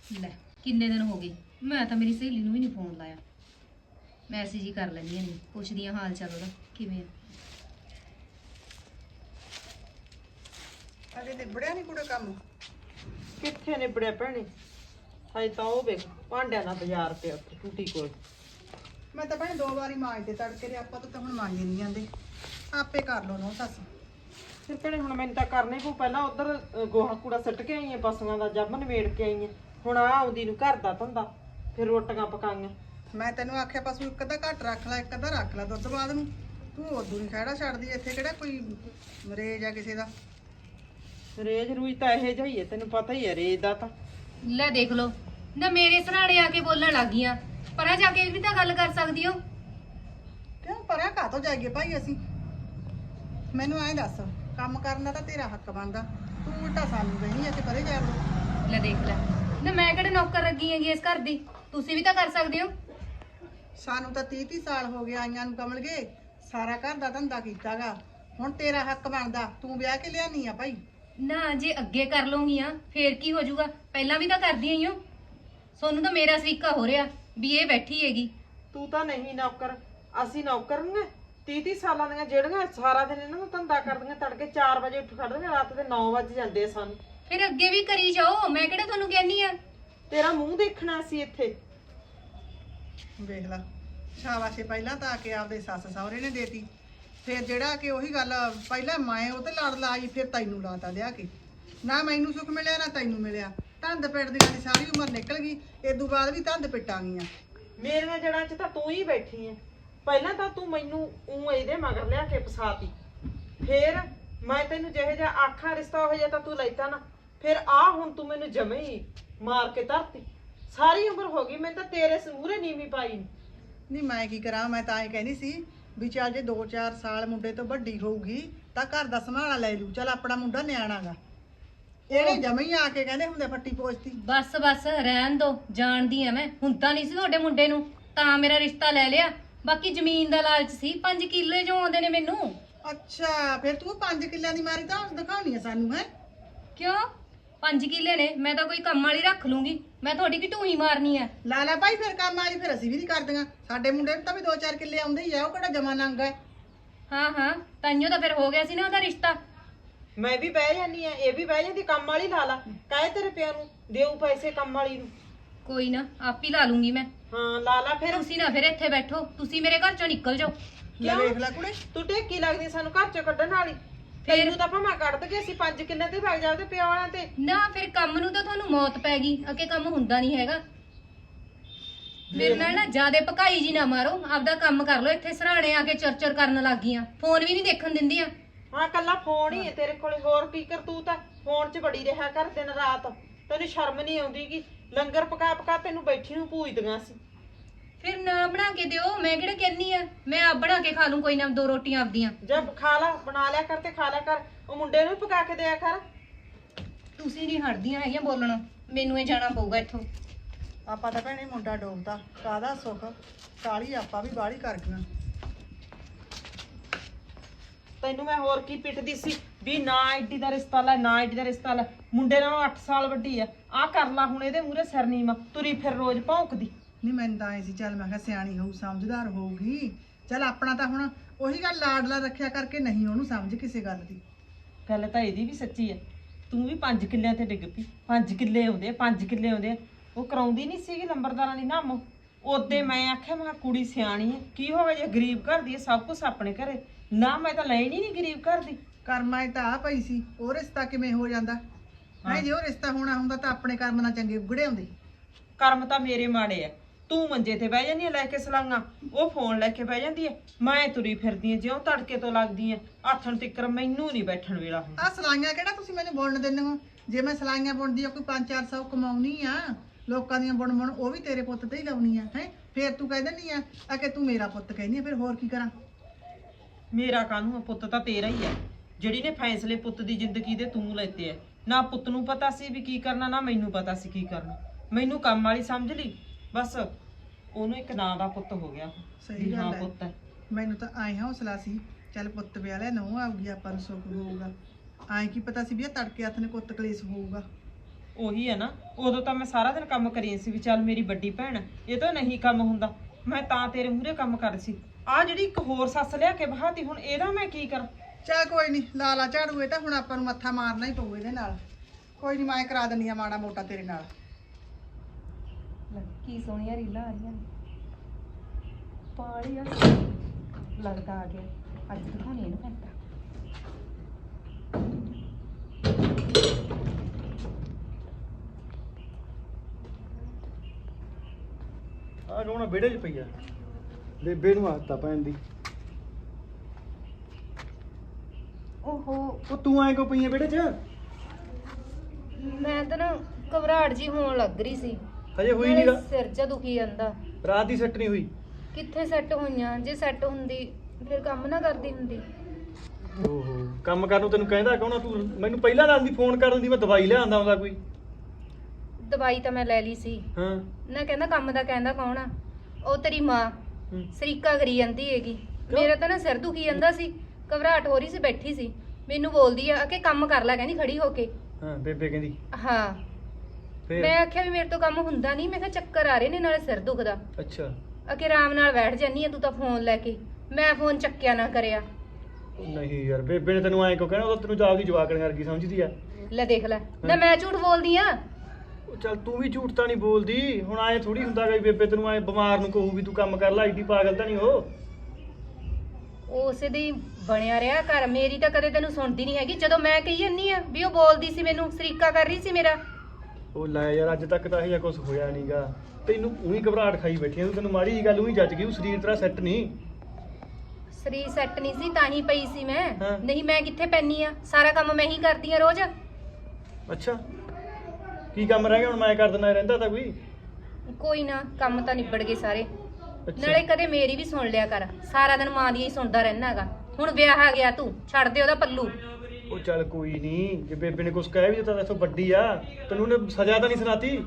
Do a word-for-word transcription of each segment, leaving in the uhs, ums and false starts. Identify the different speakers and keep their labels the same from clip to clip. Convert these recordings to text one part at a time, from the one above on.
Speaker 1: ਲੈ ਕਿੰਨੇ ਦਿਨ ਹੋ ਗਏ, ਮੈਂ ਤਾਂ ਮੇਰੀ ਸਹੇਲੀ ਨੂੰ ਵੀ ਨਹੀਂ ਫੋਨ ਲਾਇਆ। ਮੈਸੇਜ ਹੀ ਕਰ ਲੈਂਦੀ ਆਂ, ਪੁੱਛਦੀ ਆਂ ਹਾਲ ਚਾਲ ਉਹਦਾ ਕਿਵੇਂ ਆ।
Speaker 2: ਅਜੇ ਨਿਬੜਿਆ ਨਹੀਂ ਕੁੜੇ ਕੰਮ?
Speaker 3: ਕਿੱਥੇ ਨਿਬੜਿਆ ਭੈਣੇ, ਹਜੇ ਤਾਂ ਉਹ ਵੇਖ ਭਾਂਡਿਆਂ ਦਾ ਬਾਜ਼ਾਰ ਪਿਆ ਉੱਥੇ ਟੂਟੀ ਕੋਲ।
Speaker 2: ਮੈਂ ਤਾਂ ਭੈਣੇ ਦੋ ਵਾਰੀ ਮਾਂਜਦੇ ਤੜਕੇ ਦੇ, ਆਪਾਂ ਤਾਂ ਹੁਣ ਮਾਂਜੇ ਨਹੀਂ ਜਾਂਦੇ, ਆਪੇ ਕਰ ਲੋ ਨੋ ਸੱਸ।
Speaker 3: ਫਿਰ ਭੈਣੇ ਹੁਣ ਮੈਨੂੰ ਤਾਂ ਕਰਨੇ ਪਊ, ਪਹਿਲਾਂ ਉਧਰ ਗੋਹਾ ਕੂੜਾ ਸਿੱਟ ਕੇ ਆਈ ਆਂ, ਪਸ਼ੂਆਂ ਦਾ ਜੱਬ ਨਿਬੇੜ ਕੇ ਆਈ ਆਂ, ਹੁਣ ਆ ਆਉਂਦੀ ਨੂੰ ਘਰ ਦਾ ਧੰਦਾ, ਫਿਰ ਰੋਟੀਆਂ ਪਕਾਈਆਂ।
Speaker 2: ਮੈਂ ਤੈਨੂੰ ਆਖਿਆ ਪਸ਼ੂ ਇੱਕ ਅੱਧਾ ਘੱਟ ਰੱਖ ਲੈ, ਇੱਕ ਅੱਧਾ ਰੱਖ ਲੈ ਦੁੱਧ ਬਾਅਦ ਨੂੰ, ਤੂੰ ਉਦੋਂ ਨਹੀਂ ਖੜਾ ਛੱਡਦੀ। ਇੱਥੇ ਕਿਹੜਾ ਕੋਈ ਮਰੇਜ ਆ ਕਿਸੇ ਦਾ?
Speaker 3: ਰੇਜ ਰੂਜ ਤਾਂ ਇਹੋ ਜਿਹਾ ਹੀ ਹੈ, ਤੈਨੂੰ ਪਤਾ ਹੀ ਹੈ ਰੇਜ ਦਾ ਤਾਂ।
Speaker 1: ਲੈ ਦੇਖ ਲੋ ਨਾ, ਮੇਰੇ ਸਰਾਣੇ ਆ ਕੇ ਬੋਲਣ ਲੱਗ ਗਈਆਂ। ਪਰਾਂ ਜਾ ਕੇ ਵੀ ਤਾਂ ਗੱਲ ਕਰ ਸਕਦੀ ਹੋ।
Speaker 2: ਕਿਉਂ ਪਰਾਂ ਕਾਹਤੋਂ ਜਾਈਏ ਭਾਈ ਅਸੀਂ? ਮੈਨੂੰ ਐਂ ਦੱਸ, ਕੰਮ ਕਰਨ ਦਾ ਤਾਂ ਤੇਰਾ ਹੱਕ ਬਣਦਾ, ਤੂੰ ਉਲਟਾ ਸਾਨੂੰ ਕਹੀ ਕਿ ਪਰੇ ਜਾ ਲੋ।
Speaker 1: ਲੈ ਦੇਖ ਲੈ ਨਾ, ਮੈਂ ਕਿਹੜੇ ਨੌਕਰ ਲੱਗੀ ਹੈਗੀ ਇਸ ਘਰ ਦੀ, ਤੁਸੀਂ ਵੀ ਤਾਂ ਕਰ ਸਕਦੇ ਹੋ।
Speaker 2: ਸਾਨੂੰ ਤਾਂ ਤੀਹ ਤੀਹ ਸਾਲ ਹੋ ਗਏ ਆਈਆਂ ਨੂੰ ਕਮਲ ਗਏ, ਸਾਰਾ ਘਰ ਦਾ ਧੰਦਾ ਕੀਤਾਗਾ, ਹੁਣ ਤੇਰਾ ਹੱਕ ਬਣਦਾ, ਤੂੰ ਵਿਆਹ ਕੇ ਲਿਆਨੀ ਆ ਭਾਈ।
Speaker 1: ਨਾ ਜੇ ਅੱਗੇ ਕਰ ਲਵਾਂਗੀਆਂ ਫੇਰ ਕੀ ਹੋ ਜਾਊਗਾ, ਪਹਿਲਾਂ ਵੀ ਤਾਂ ਕਰਦੀ ਆਈ ਹੋ। ਸੋਨੂੰ ਤਾਂ ਮੇਰਾ ਸਰੀਕਾ ਹੋ ਰਿਹਾ ਵੀ ਇਹ ਬੈਠੀ ਹੈਗੀ।
Speaker 3: ਤੂੰ ਤਾਂ ਨਹੀਂ ਨੌਕਰ, ਅਸੀਂ ਨੌਕਰ ਨੇ। ਤੀਹ ਤੀਹ ਸਾਲਾਂ ਦੀਆਂ ਜਿਹੜੀਆਂ ਸਾਰਾ ਦਿਨ ਇਹਨਾਂ ਨੂੰ ਧੰਦਾ ਕਰਦੀਆਂ, ਤੜਕੇ ਚਾਰ ਵਜੇ ਉੱਠ ਖੜਦੀਆਂ, ਰਾਤ ਦੇ ਨੌ ਵਜੇ ਜਾਂਦੇ ਆ ਸਾਨੂੰ।
Speaker 1: ਫਿਰ ਅੱਗੇ ਵੀ ਕਰੀ ਜਾਓ, ਮੈਂ ਕਿਹੜਾ ਤੁਹਾਨੂੰ ਕਹਿੰਨੀ ਆ।
Speaker 3: ਤੇਰਾ ਮੂੰਹ ਦੇਖਣਾ ਸੀ ਇੱਥੇ।
Speaker 2: ਵੇਖ ਲਾ, ਸ਼ਾਬਾਸ਼ੇ ਪਹਿਲਾਂ ਤਾਂ ਆ ਕੇ ਆਪਦੇ ਸੱਸ ਸਹੁਰੇ ਨੇ ਦੇਤੀ, ਫਿਰ ਜਿਹੜਾ ਕਿ ਉਹੀ ਗੱਲ ਪਹਿਲਾਂ ਮੈਂ ਉਹ ਤੇ ਲੜ ਲਾਈ, ਫਿਰ ਤੈਨੂੰ ਲਾਤਾ ਲਿਆ ਕੇ। ਨਾ ਮੈਨੂੰ ਸੁੱਖ ਮਿਲਿਆ ਨਾ ਤੈਨੂੰ ਮਿਲਿਆ, ਧੰਦ ਪਿੱਟ ਦੀ ਵਾਲੀ ਸਾਰੀ ਉਮਰ ਨਿਕਲ ਗਈ, ਇਦੋਂ ਬਾਅਦ ਵੀ ਧੰਦ ਪਿੱਟਾਂਗੀਆਂ।
Speaker 3: ਮੇਰੀਆਂ ਜੜਾਂ 'ਚ ਤਾਂ ਤੂੰ ਹੀ ਬੈਠੀ ਐ। ਪਹਿਲਾਂ ਤਾਂ ਤੂੰ ਮੈਨੂੰ ਉਹ ਇਹਦੇ ਮਗਰ ਲਿਆ ਕੇ ਫਸਾਤੀ, ਫਿਰ ਮੈਂ ਤੈਨੂੰ ਜਿਹੇ ਜਿਹਾ ਆਖਾਂ ਰਿਸ਼ਤਾ ਹੋ ਜਾ ਤਾਂ ਤੂੰ ਲੈਤਾ ਨਾ, ਫਿਰ ਆ ਹੁਣ ਤੂੰ ਮੈਨੂੰ ਜਮੇ ਹੀ ਮਾਰ ਕੇ ਧਰਤੀ। ਸਾਰੀ ਉਮਰ ਹੋ ਗਈ, ਮੈਂ ਤਾਂ ਤੇਰੇ ਮੂਹਰੇ ਨੀਵੀਂ ਪਾਈ।
Speaker 2: ਨਹੀਂ ਮੈਂ ਕੀ ਕਰਾਂ, ਮੈਂ ਤਾਂ ਐਂ ਕਹਿੰਦੀ ਸੀ ਵੀ ਚੱਲ ਜੇ ਦੋ ਚਾਰ ਸਾਲ ਮੁੰਡੇ ਤੋਂ ਵੱਡੀ ਹੋਊਗੀ ਤਾਂ ਘਰ ਦਾ ਸੰਭਾਲਾ ਲੈ ਲੂ, ਚੱਲ ਆਪਣਾ ਮੁੰਡਾ ਨਿਆਣਾਗਾ। ਇਹਨੇ ਜਮੇ ਹੀ ਆ ਕੇ ਕਹਿੰਦੇ ਹੁੰਦੇ ਫੱਟੀ ਪੋਚਤੀ।
Speaker 1: ਬਸ ਬਸ ਰਹਿਣ ਦੋ, ਜਾਣਦੀ ਆ ਮੈਂ, ਹੁਣ ਤਾਂ ਨਹੀਂ ਸੀ ਤੁਹਾਡੇ ਮੁੰਡੇ ਨੂੰ ਤਾਂ ਮੇਰਾ ਰਿਸ਼ਤਾ ਲੈ ਲਿਆ। ਬਾਕੀ ਜ਼ਮੀਨ ਦਾ ਲਾਲਚ ਸੀ, ਪੰਜ ਕਿੱਲੇ ਜੋ ਆਉਂਦੇ ਨੇ ਮੈਨੂੰ।
Speaker 2: ਅੱਛਾ ਫਿਰ ਤੂੰ ਪੰਜ ਕਿੱਲਿਆਂ ਦੀ ਮਾਰੀ ਤਾਂ ਦਿਖਾਉਣੀ ਆ ਸਾਨੂੰ ਹੈ?
Speaker 1: ਕਿਉਂ ਪੰਜ ਕਿੱਲੇ ਨੇ? ਮੈਂ ਤਾਂ ਕੋਈ ਕੰਮ ਵਾਲੀ ਰੱਖ ਲੂੰਗੀ, ਮੈਂ ਤੁਹਾਡੀ ਕੀ ਢੂਹੀ ਮਾਰਨੀ ਆ।
Speaker 2: ਲਾ ਲੈ ਭਾਈ ਫਿਰ ਕੰਮ ਵਾਲੀ, ਫਿਰ ਅਸੀਂ ਵੀ ਨਹੀਂ ਕਰਦੀਆਂ, ਸਾਡੇ ਮੁੰਡੇ ਨੂੰ ਤਾਂ ਵੀ ਦੋ ਚਾਰ ਕਿੱਲੇ ਆਉਂਦੇ ਹੀ ਆ, ਉਹ ਕਿਹੜਾ ਜਮਾ ਨੰਗ ਹੈ।
Speaker 1: ਹਾਂ ਹਾਂ ਤਾਈਓ ਤਾਂ ਫਿਰ ਹੋ ਗਿਆ ਸੀ ਨਾ ਉਹਦਾ ਰਿਸ਼ਤਾ।
Speaker 3: ਮੈਂ ਵੀ ਬਹਿ ਜਾਨੀ ਆ, ਇਹ ਵੀ ਬਹਿ ਜਾਂਦੀ, ਕੰਮ ਵਾਲੀ ਲਾ ਲਾ, ਕਾਹੇ ਤੇਰੇ ਪਿਓ ਨੂੰ ਦੇਊ ਪੈਸੇ ਕੰਮ ਵਾਲੀ ਨੂੰ।
Speaker 1: ਕੋਈ ਨਾ ਆਪ ਹੀ ਲਾ ਲੂੰਗੀ ਮੈਂ।
Speaker 3: ਹਾਂ ਲਾ ਲਾ ਫਿਰ।
Speaker 1: ਤੁਸੀਂ ਨਾ ਫਿਰ ਇੱਥੇ ਬੈਠੋ, ਤੁਸੀਂ ਮੇਰੇ ਘਰ ਚੋਂ ਨਿਕਲ ਜਾਓ।
Speaker 2: ਲੈ ਵੇਖ ਲੈ ਕੁੜੇ,
Speaker 3: ਤੂੰ ਟੇਕੀ ਲੱਗਦੀ ਸਾਨੂੰ ਘਰ ਚੋਂ ਕੱਢਣ ਵਾਲੀ।
Speaker 1: ਫਿਰ
Speaker 3: ਤੈਨੂੰ ਤਾਂ ਭਾਵੇਂ ਕੱਢ ਦਗੇ, ਅਸੀਂ ਪੰਜ ਕਿੱਲੇ ਤੇ ਵਗ ਜਾਂਦੇ ਪਿਓ ਵਾਲਿਆਂ ਤੇ।
Speaker 1: ਨਾ ਫਿਰ ਕੰਮ ਨੂੰ ਤਾਂ ਤੁਹਾਨੂੰ ਮੌਤ ਪੈ ਗਈ, ਅੱਗੇ ਕੰਮ ਹੁੰਦਾ ਨਹੀਂ ਹੈਗਾ। ਮੇਰੇ ਨਾਲ ਨਾ ਜਿਆਦੇ ਭਕਾਈ ਜੀ ਨਾ ਮਾਰੋ, ਆਪਦਾ ਕੰਮ ਕਰ ਲਓ। ਇੱਥੇ ਸਰਾਣੇ ਆ ਕੇ ਚਰਚਰ ਕਰਨ ਲੱਗ ਗਈਆਂ, ਫੋਨ ਵੀ ਨਹੀਂ ਦੇਖਣ ਦਿੰਦੀਆਂ।
Speaker 3: ਹਾਂ ਕੱਲਾ ਫੋਨ ਹੀ ਹੈ ਤੇਰੇ ਕੋਲੇ, ਹੋਰ ਕੀ ਕਰਤੂਤ ਆ? ਫੋਨ 'ਚ ਬੜੀ ਰਿਹਾ ਕਰ ਦਿਨ ਰਾਤ, ਤੈਨੂੰ ਸ਼ਰਮ ਨਹੀਂ ਆਉਂਦੀ ਗੀ? ਲੰਗਰ ਪਕਾ ਪਕਾ ਤੈਨੂੰ ਬੈਠੀ ਨੂੰ ਪੂਜਦੀਆਂ ਸੀ।
Speaker 1: ਫਿਰ ਨਾ ਬਣਾ ਕੇ ਦਿਓ, ਮੈਂ ਕਿਹੜਾ ਕਹਿੰਨੀ ਆ, ਮੈਂ ਆਪ ਬਣਾ ਕੇ ਖਾ ਲੂੰ, ਕੋਈ ਨਾ ਦੋ ਰੋਟੀਆਂ ਆਪਦੀਆਂ।
Speaker 3: ਜਦ ਖਾ ਲਾ, ਬਣਾ ਲਿਆ ਕਰ ਤੇ ਖਾ ਲਿਆ ਕਰ, ਉਹ ਮੁੰਡੇ ਨੂੰ ਵੀ ਪਕਾ ਕੇ ਦਿਆ ਕਰ।
Speaker 1: ਤੁਸੀਂ ਨਹੀਂ ਹਟਦੀਆਂ ਹੈਗੀਆਂ ਬੋਲਣਾ, ਮੈਨੂੰ ਇਹ ਜਾਣਾ ਪਊਗਾ ਇੱਥੋਂ।
Speaker 2: ਆਪਾਂ ਤਾਂ ਭੈਣੇ ਮੁੰਡਾ ਡੋਬਦਾ, ਕਾਹਦਾ ਸੁੱਖ, ਕਾਲੀ ਆਪਾਂ ਵੀ ਬਾਹਲੀ ਕਰ ਗਈਆਂ।
Speaker 3: ਤੈਨੂੰ ਮੈਂ ਹੋਰ ਕੀ ਪਿੱਟਦੀ ਸੀ ਵੀ ਨਾ ਐਡੀ ਦਾ ਰਿਸ਼ਤਾ ਲੈ, ਨਾ ਐਡੀ ਦਾ ਰਿਸ਼ਤਾ ਲੈ, ਮੁੰਡੇ ਨਾਲੋਂ ਅੱਠ ਸਾਲ ਵੱਡੀ ਆ, ਆਹ ਕਰ ਲਾ ਹੁਣ ਇਹਦੇ ਮੂਹਰੇ ਸਰਨੀਮਾ, ਤੁਰੀ ਫਿਰ ਰੋਜ਼ ਭੌਂਕਦੀ।
Speaker 2: ਨਹੀਂ ਮੈਨੂੰ ਤਾਂ ਐ ਸੀ ਚੱਲ ਮੈਂ ਕਿਹਾ ਸਿਆਣੀ ਹੋਊ, ਸਮਝਦਾਰ ਹੋਊਗੀ, ਚੱਲ ਆਪਣਾ ਤਾਂ ਹੁਣ ਉਹੀ ਗੱਲ ਲਾਡਲਾ ਰੱਖਿਆ ਕਰਕੇ ਨਹੀਂ ਉਹਨੂੰ ਸਮਝ ਕਿਸੇ ਗੱਲ ਦੀ।
Speaker 3: ਗੱਲ ਤਾਂ ਇਹਦੀ ਵੀ ਸੱਚੀ ਆ, ਤੂੰ ਵੀ ਪੰਜ ਕਿੱਲਿਆਂ ਤੇ ਡਿੱਗ ਪਈ। ਪੰਜ ਕਿੱਲੇ ਆਉਂਦੇ, ਪੰਜ ਕਿੱਲੇ ਆਉਂਦੇ, ਉਹ ਕਰਾਉਂਦੀ ਨਹੀਂ ਸੀਗੀ ਲੰਬਰਦਾਰਾਂ ਦੀ ਨਾਮ। ਉਹਦੇ ਮੈਂ ਆਖਿਆ ਮੈਂ ਕੁੜੀ ਸਿਆਣੀ ਹੈ, ਕੀ ਹੋਵੇ ਜੇ ਗਰੀਬ ਘਰ ਦੀ ਹੈ, ਸਭ ਕੁਝ ਆਪਣੇ ਘਰੇ। ਨਾ ਮੈਂ ਤਾਂ ਲੈਣੀ ਨਹੀਂ ਗਰੀਬ ਘਰ ਦੀ।
Speaker 2: ਕਰਮਾਂ 'ਚ ਤਾਂ ਆ ਪਈ ਸੀ, ਉਹ ਰਿਸ਼ਤਾ ਕਿਵੇਂ ਹੋ ਜਾਂਦਾ? ਨਹੀਂ ਜੇ ਉਹ ਰਿਸ਼ਤਾ ਹੋਣਾ ਹੁੰਦਾ ਤਾਂ ਆਪਣੇ ਕਰਮ ਨਾਲ ਚੰਗੇ ਉਗੜੇ ਹੁੰਦੇ।
Speaker 3: ਕਰਮ ਤਾਂ ਮੇਰੇ ਮਾੜੇ ਆ। ਤੂੰ ਮੰਜੇ ਤੇ ਬਹਿ ਜਾਂਦੀ ਆ ਲੈ ਕੇ ਸਲਾਂਗਾ, ਉਹ ਫੋਨ ਲੈ ਕੇ ਬਹਿ ਜਾਂਦੀ ਆ, ਮੈਂ ਤੁਰੀ ਫਿਰਦੀ ਆ ਜਿਉਂ ਤੜਕੇ ਤੋਂ ਲੱਗਦੀ ਆ ਆਥਣ ਤਿੱਕਰ। ਮੈਨੂੰ ਨਹੀਂ ਬੈਠਣ ਵੇਲਾ ਹੁੰਦਾ।
Speaker 2: ਆ ਸਲਾਈਆਂ ਕਿਹੜਾ ਤੁਸੀਂ ਮੈਨੂੰ ਬੁਣਨ ਦਿੰਦੇ ਹੋ? ਜੇ ਮੈਂ ਸਲਾਈਆਂ ਬੁਣਦੀ ਆ ਕੋਈ ਪੰਜ ਚਾਰ ਸੌ ਕਮਾਉਣੀ ਆ, ਲੋਕਾਂ ਦੀਆਂ ਬੁਣ ਬੁਣ ਉਹ ਵੀ ਤੇਰੇ ਪੁੱਤ ਤੇ ਹੀ ਲਾਉਣੀ ਆ ਹੈ। ਫੇਰ ਤੂੰ ਕਹਿ ਦਿੰਦੀ ਆ ਆ ਕਿ ਤੂੰ ਮੇਰਾ ਪੁੱਤ ਕਹਿੰਦੀ ਆ, ਫਿਰ ਹੋਰ ਕੀ ਕਰਾਂ?
Speaker 3: ਮੇਰਾ ਕਾਹਨੂੰ ਆ, ਪੁੱਤ ਤਾਂ ਤੇਰਾ ਹੀ ਆ। ਜਿਹੜੀ ਨੇ ਫੈਸਲੇ ਪੁੱਤ ਦੀ ਜ਼ਿੰਦਗੀ ਦੇ ਤੂੰ ਲੈਤੇ ਆ। ਨਾ ਪੁੱਤ ਨੂੰ ਪਤਾ ਸੀ ਵੀ ਕੀ ਕਰਨਾ, ਨਾ ਮੈਨੂੰ ਪਤਾ ਸੀ ਕੀ ਕਰਨਾ। ਮੈਨੂੰ ਕੰਮ ਵਾਲੀ ਸਮਝ ਲਈ ਬਸ, ਉਹਨੂੰ ਇੱਕ ਨਾਂ ਦਾ ਪੁੱਤ ਹੋ ਗਿਆ।
Speaker 2: ਸਹੀ ਗੱਲ ਹੈ।
Speaker 3: ਪੁੱਤ ਹੈ।
Speaker 2: ਮੈਨੂੰ ਤਾਂ ਆਏ ਹੌਸਲਾ ਸੀ ਚੱਲ ਪੁੱਤ ਵਿਆਹ ਲਿਆ, ਨਹੁੰ ਆਊਗੀ, ਆਪਾਂ ਨੂੰ ਸੁੱਖ ਹੋਊਗਾ। ਆਏ ਕੀ ਪਤਾ ਸੀ ਵੀ ਇਹ ਤੜਕੇ ਹੱਥ ਨੇ ਕੁੱਤ ਕਲੇਸ਼ ਹੋਊਗਾ।
Speaker 3: ਉਹੀ ਹੈ ਨਾ, ਉਦੋਂ ਤਾਂ ਮੈਂ ਸਾਰਾ ਦਿਨ ਕੰਮ ਕਰੀ ਸੀ ਵੀ ਚੱਲ ਮੇਰੀ ਵੱਡੀ ਭੈਣ ਇਹ ਤਾਂ ਨਹੀਂ ਕੰਮ ਹੁੰਦਾ, ਮੈਂ ਤਾਂ ਤੇਰੇ ਮੂਹਰੇ ਕੰਮ ਕਰ ਸੀ। ਆ ਜਿਹੜੀ ਇੱਕ ਹੋਰ ਸੱਸ ਲਿਆ ਕੇ ਬਹਾਤੀ, ਹੁਣ ਇਹਦਾ ਮੈਂ ਕੀ ਕਰਾਂ?
Speaker 2: ਚਾ ਕੋਈ ਨਹੀਂ, ਲਾ ਲਾ ਝਾੜੂ, ਇਹ ਤਾਂ ਹੁਣ ਆਪਾਂ ਨੂੰ ਮੱਥਾ ਮਾਰਨਾ ਹੀ ਪਊ ਇਹਦੇ ਨਾਲ। ਕੋਈ ਨਹੀਂ, ਮੈਂ ਕਰਾ ਦਿੰਦੀ ਆ ਮਾੜਾ ਮੋਟਾ ਤੇਰੇ ਨਾਲ।
Speaker 1: ਕੀ ਸੋਹਣੀਆਂ ਰੀਲਾਂ ਆ ਰਹੀਆਂ ਨੇ। ਪਾਲੀ ਆ ਲੱਗਦਾ ਆ ਗਿਆ, ਅੱਜ ਦਿਖਾਉਣੀ ਇਹਨੂੰ ਘੰਟਾ।
Speaker 4: ਆ ਕੌਣ ਆ ਵਿਹੜੇ 'ਚ ਪਈ ਆ? ਬੇਬੇ ਨੂੰ ਆਦਤਾਂ ਪੈਣ ਦੀ।
Speaker 1: ਓਹੋ,
Speaker 4: ਉਹ ਤੂੰ ਐਂ ਕਿਉਂ ਪਈ ਆ ਵਿਹੜੇ 'ਚ?
Speaker 1: ਮੈਂ ਤਾਂ ਨਾ ਘਬਰਾਹਟ ਜੀ ਹੋਣ ਲੱਗ ਰਹੀ ਸੀ।
Speaker 4: ਹਜੇ ਹੋਈ
Speaker 1: ਨਾਲੇ
Speaker 4: ਨਹੀਂਗਾ?
Speaker 1: ਸਿਰ ਜਾ ਦੁਖੀ ਜਾਂਦਾ।
Speaker 4: ਰਾਤ ਦੀ ਸੱਟ ਨਹੀਂ ਹੋਈ?
Speaker 1: ਕਿੱਥੇ ਸੈੱਟ ਹੋਈਆਂ, ਜੇ ਸੈੱਟ ਹੁੰਦੀ ਫਿਰ ਕੰਮ ਨਾ ਕਰਦੀ ਹੁੰਦੀ।
Speaker 4: ਓਹੋ, ਕੰਮ ਕਰਨ ਨੂੰ ਤੈਨੂੰ ਕਹਿੰਦਾ ਕੌਣ ਆ? ਤੂੰ ਮੈਨੂੰ ਪਹਿਲਾਂ ਦੱਸਦੀ, ਫੋਨ ਕਰਨ ਦੀ, ਮੈਂ ਦਵਾਈ ਲਿਆਂਦਾ ਹੁੰਦਾ ਕੋਈ।
Speaker 1: ਦਵਾਈ ਤਾਂ ਮੈਂ ਲੈ ਲਈ ਸੀ
Speaker 4: ਹਾਂ
Speaker 1: ਨਾ, ਕਹਿੰਦਾ ਕੰਮ ਦਾ ਕਹਿੰਦਾ ਕੌਣ ਆ? ਉਹ ਤੇਰੀ ਮਾਂ
Speaker 4: ਹੂੰ।
Speaker 1: ਸਰੀਕਾ ਕਰੀ ਜਾਂਦੀ ਹੈਗੀ।
Speaker 4: ਕਿਉਂ?
Speaker 1: ਮੇਰਾ ਤਾਂ ਨਾ ਸਿਰ ਦੁਖੀ ਜਾਂਦਾ ਸੀ, ਘਬਰਾਹਟ ਹੋ ਰਹੀ ਸੀ, ਬੈਠੀ ਸੀ, ਮੈਨੂੰ ਬੋਲਦੀ ਆ ਕਿ ਕੰਮ ਕਰ ਲੈ, ਕਹਿੰਦੀ ਖੜੀ ਹੋ ਕੇ।
Speaker 4: ਹਾਂ ਬੇਬੇ ਕਹਿੰਦੀ?
Speaker 1: ਹਾਂ,
Speaker 4: ਫੇਰ?
Speaker 1: ਮੈਂ ਆਖਿਆ ਵੀ ਮੇਰੇ ਤੋਂ ਕੰਮ ਹੁੰਦਾ ਨਹੀਂ, ਮੈਂ ਕਿਹਾ ਚੱਕਰ ਆ ਰਹੇ ਨੇ ਨਾਲੇ ਸਿਰ ਦੁਖਦਾ।
Speaker 4: ਅੱਛਾ।
Speaker 1: ਅਕੇ ਆਰਾਮ ਨਾਲ ਬੈਠ ਜਾਨੀ ਆ ਤੂੰ ਤਾਂ ਫੋਨ ਲੈ ਕੇ। ਮੈਂ ਫੋਨ ਚੱਕਿਆ ਨਾ ਕਰਿਆ।
Speaker 4: ਨਹੀਂ ਯਾਰ, ਬੇਬੇ ਨੇ ਤੈਨੂੰ ਐਂ ਕਿਉਂ ਕਹਿਣਾ? ਉਹ ਤਾਂ ਤੈਨੂੰ ਜਾਬ ਦੀ ਜਵਾਕਣ ਵਰਗੀ ਸਮਝਦੀ ਆ।
Speaker 1: ਲੈ ਦੇਖ ਲੈ ਨਾ, ਮੈਂ ਝੂਠ ਬੋਲਦੀ ਆ?
Speaker 4: ਉਹ ਚੱਲ ਤੂੰ ਵੀ ਝੂਠ ਤਾਂ ਨਹੀਂ ਬੋਲਦੀ। ਹੁਣ ਐਂ ਥੋੜੀ ਹੁੰਦਾ ਗਾ ਬੇਬੇ ਤੈਨੂੰ ਐਂ ਬਿਮਾਰ ਨੂੰ ਕਹੂ ਵੀ ਤੂੰ ਕੰਮ ਕਰ ਲੈ, ਐਡੀ ਪਾਗਲ ਤਾਂ ਨਹੀਂ ਉਹ।
Speaker 1: ਉਸੇ ਦੀ ਬਣਿਆ ਰਿਹਾ ਘਰ, ਮੇਰੀ ਤਾਂ ਕਦੇ ਤੈਨੂੰ ਸੁਣਦੀ ਨਹੀਂ ਹੈਗੀ। ਜਦੋਂ ਮੈਂ ਕਹੀ ਜੰਨੀ ਆ ਵੀ ਉਹ ਬੋਲਦੀ ਸੀ, ਮੈਨੂੰ ਸਰੀਕਾ ਕਰ ਰਹੀ ਸੀ ਮੇਰਾ।
Speaker 4: ਉਹ ਲੈ ਯਾਰ, ਅੱਜ ਤੱਕ ਤਾਂ ਇਹ ਜਿਹਾ ਕੁਝ ਹੋਇਆ ਨਹੀਂਗਾ। ਤੈਨੂੰ ਉਹੀ ਘਬਰਾਹਟ ਖਾਈ ਬੈਠੀ ਆ ਤੂੰ। ਤੈਨੂੰ ਮਾੜੀ ਜੀ ਗੱਲ ਉਹੀ ਜੱਜ ਗਈ, ਉਹ ਸਰੀਰ ਤੇਰਾ ਸੈੱਟ ਨਹੀਂ।
Speaker 1: ਸਰੀਰ ਸੈੱਟ ਨਹੀਂ ਸੀ ਤਾਂ ਹੀ ਪਈ ਸੀ ਮੈਂ।
Speaker 4: ਹਾਂ।
Speaker 1: ਨਹੀਂ ਮੈਂ ਕਿੱਥੇ ਪੈਣੀ ਆ, ਸਾਰਾ ਕੰਮ ਮੈਂ ਹੀ ਕਰਦੀ ਆ ਰੋਜ਼।
Speaker 4: ਅੱਛਾ, ਕੀ ਕੰਮ ਰਹਿ ਗਿਆ ਹੁਣ? ਮੈਂ ਕਰ ਦਿੰਦਾ, ਰਹਿੰਦਾ ਤਾਂ ਕੋਈ।
Speaker 1: ਕੋਈ ਨਾ, ਕੰਮ ਤਾਂ ਨਿਬੜ ਗਏ ਸਾਰੇ।
Speaker 4: ਅੱਛਾ।
Speaker 1: ਨਾਲੇ ਕਦੇ ਮੇਰੀ ਵੀ ਸੁਣ ਲਿਆ ਕਰ, ਸਾਰਾ ਦਿਨ ਮਾਂ ਦੀ ਹੀ ਸੁਣਦਾ ਰਹਿਣਾ ਹੈਗਾ। ਹੁਣ ਵਿਆਹ ਆ ਗਿਆ, ਤੂੰ ਛੱਡ ਦੇ ਉਹਦਾ ਪੱਲੂ।
Speaker 4: ਉਹ ਚੱਲ ਕੋਈ ਨਹੀਂ, ਜੇ ਬੇਬੇ ਨੇ ਕੁਝ ਕਹਿ ਵੀ ਦਿੱਤਾ ਤਾਂ ਇਥੋਂ ਵੱਡੀ ਆ, ਤੈਨੂੰ ਉਹਨੇ ਸਜ਼ਾ ਤਾਂ ਨਹੀਂ ਸੁਣਾਤੀ?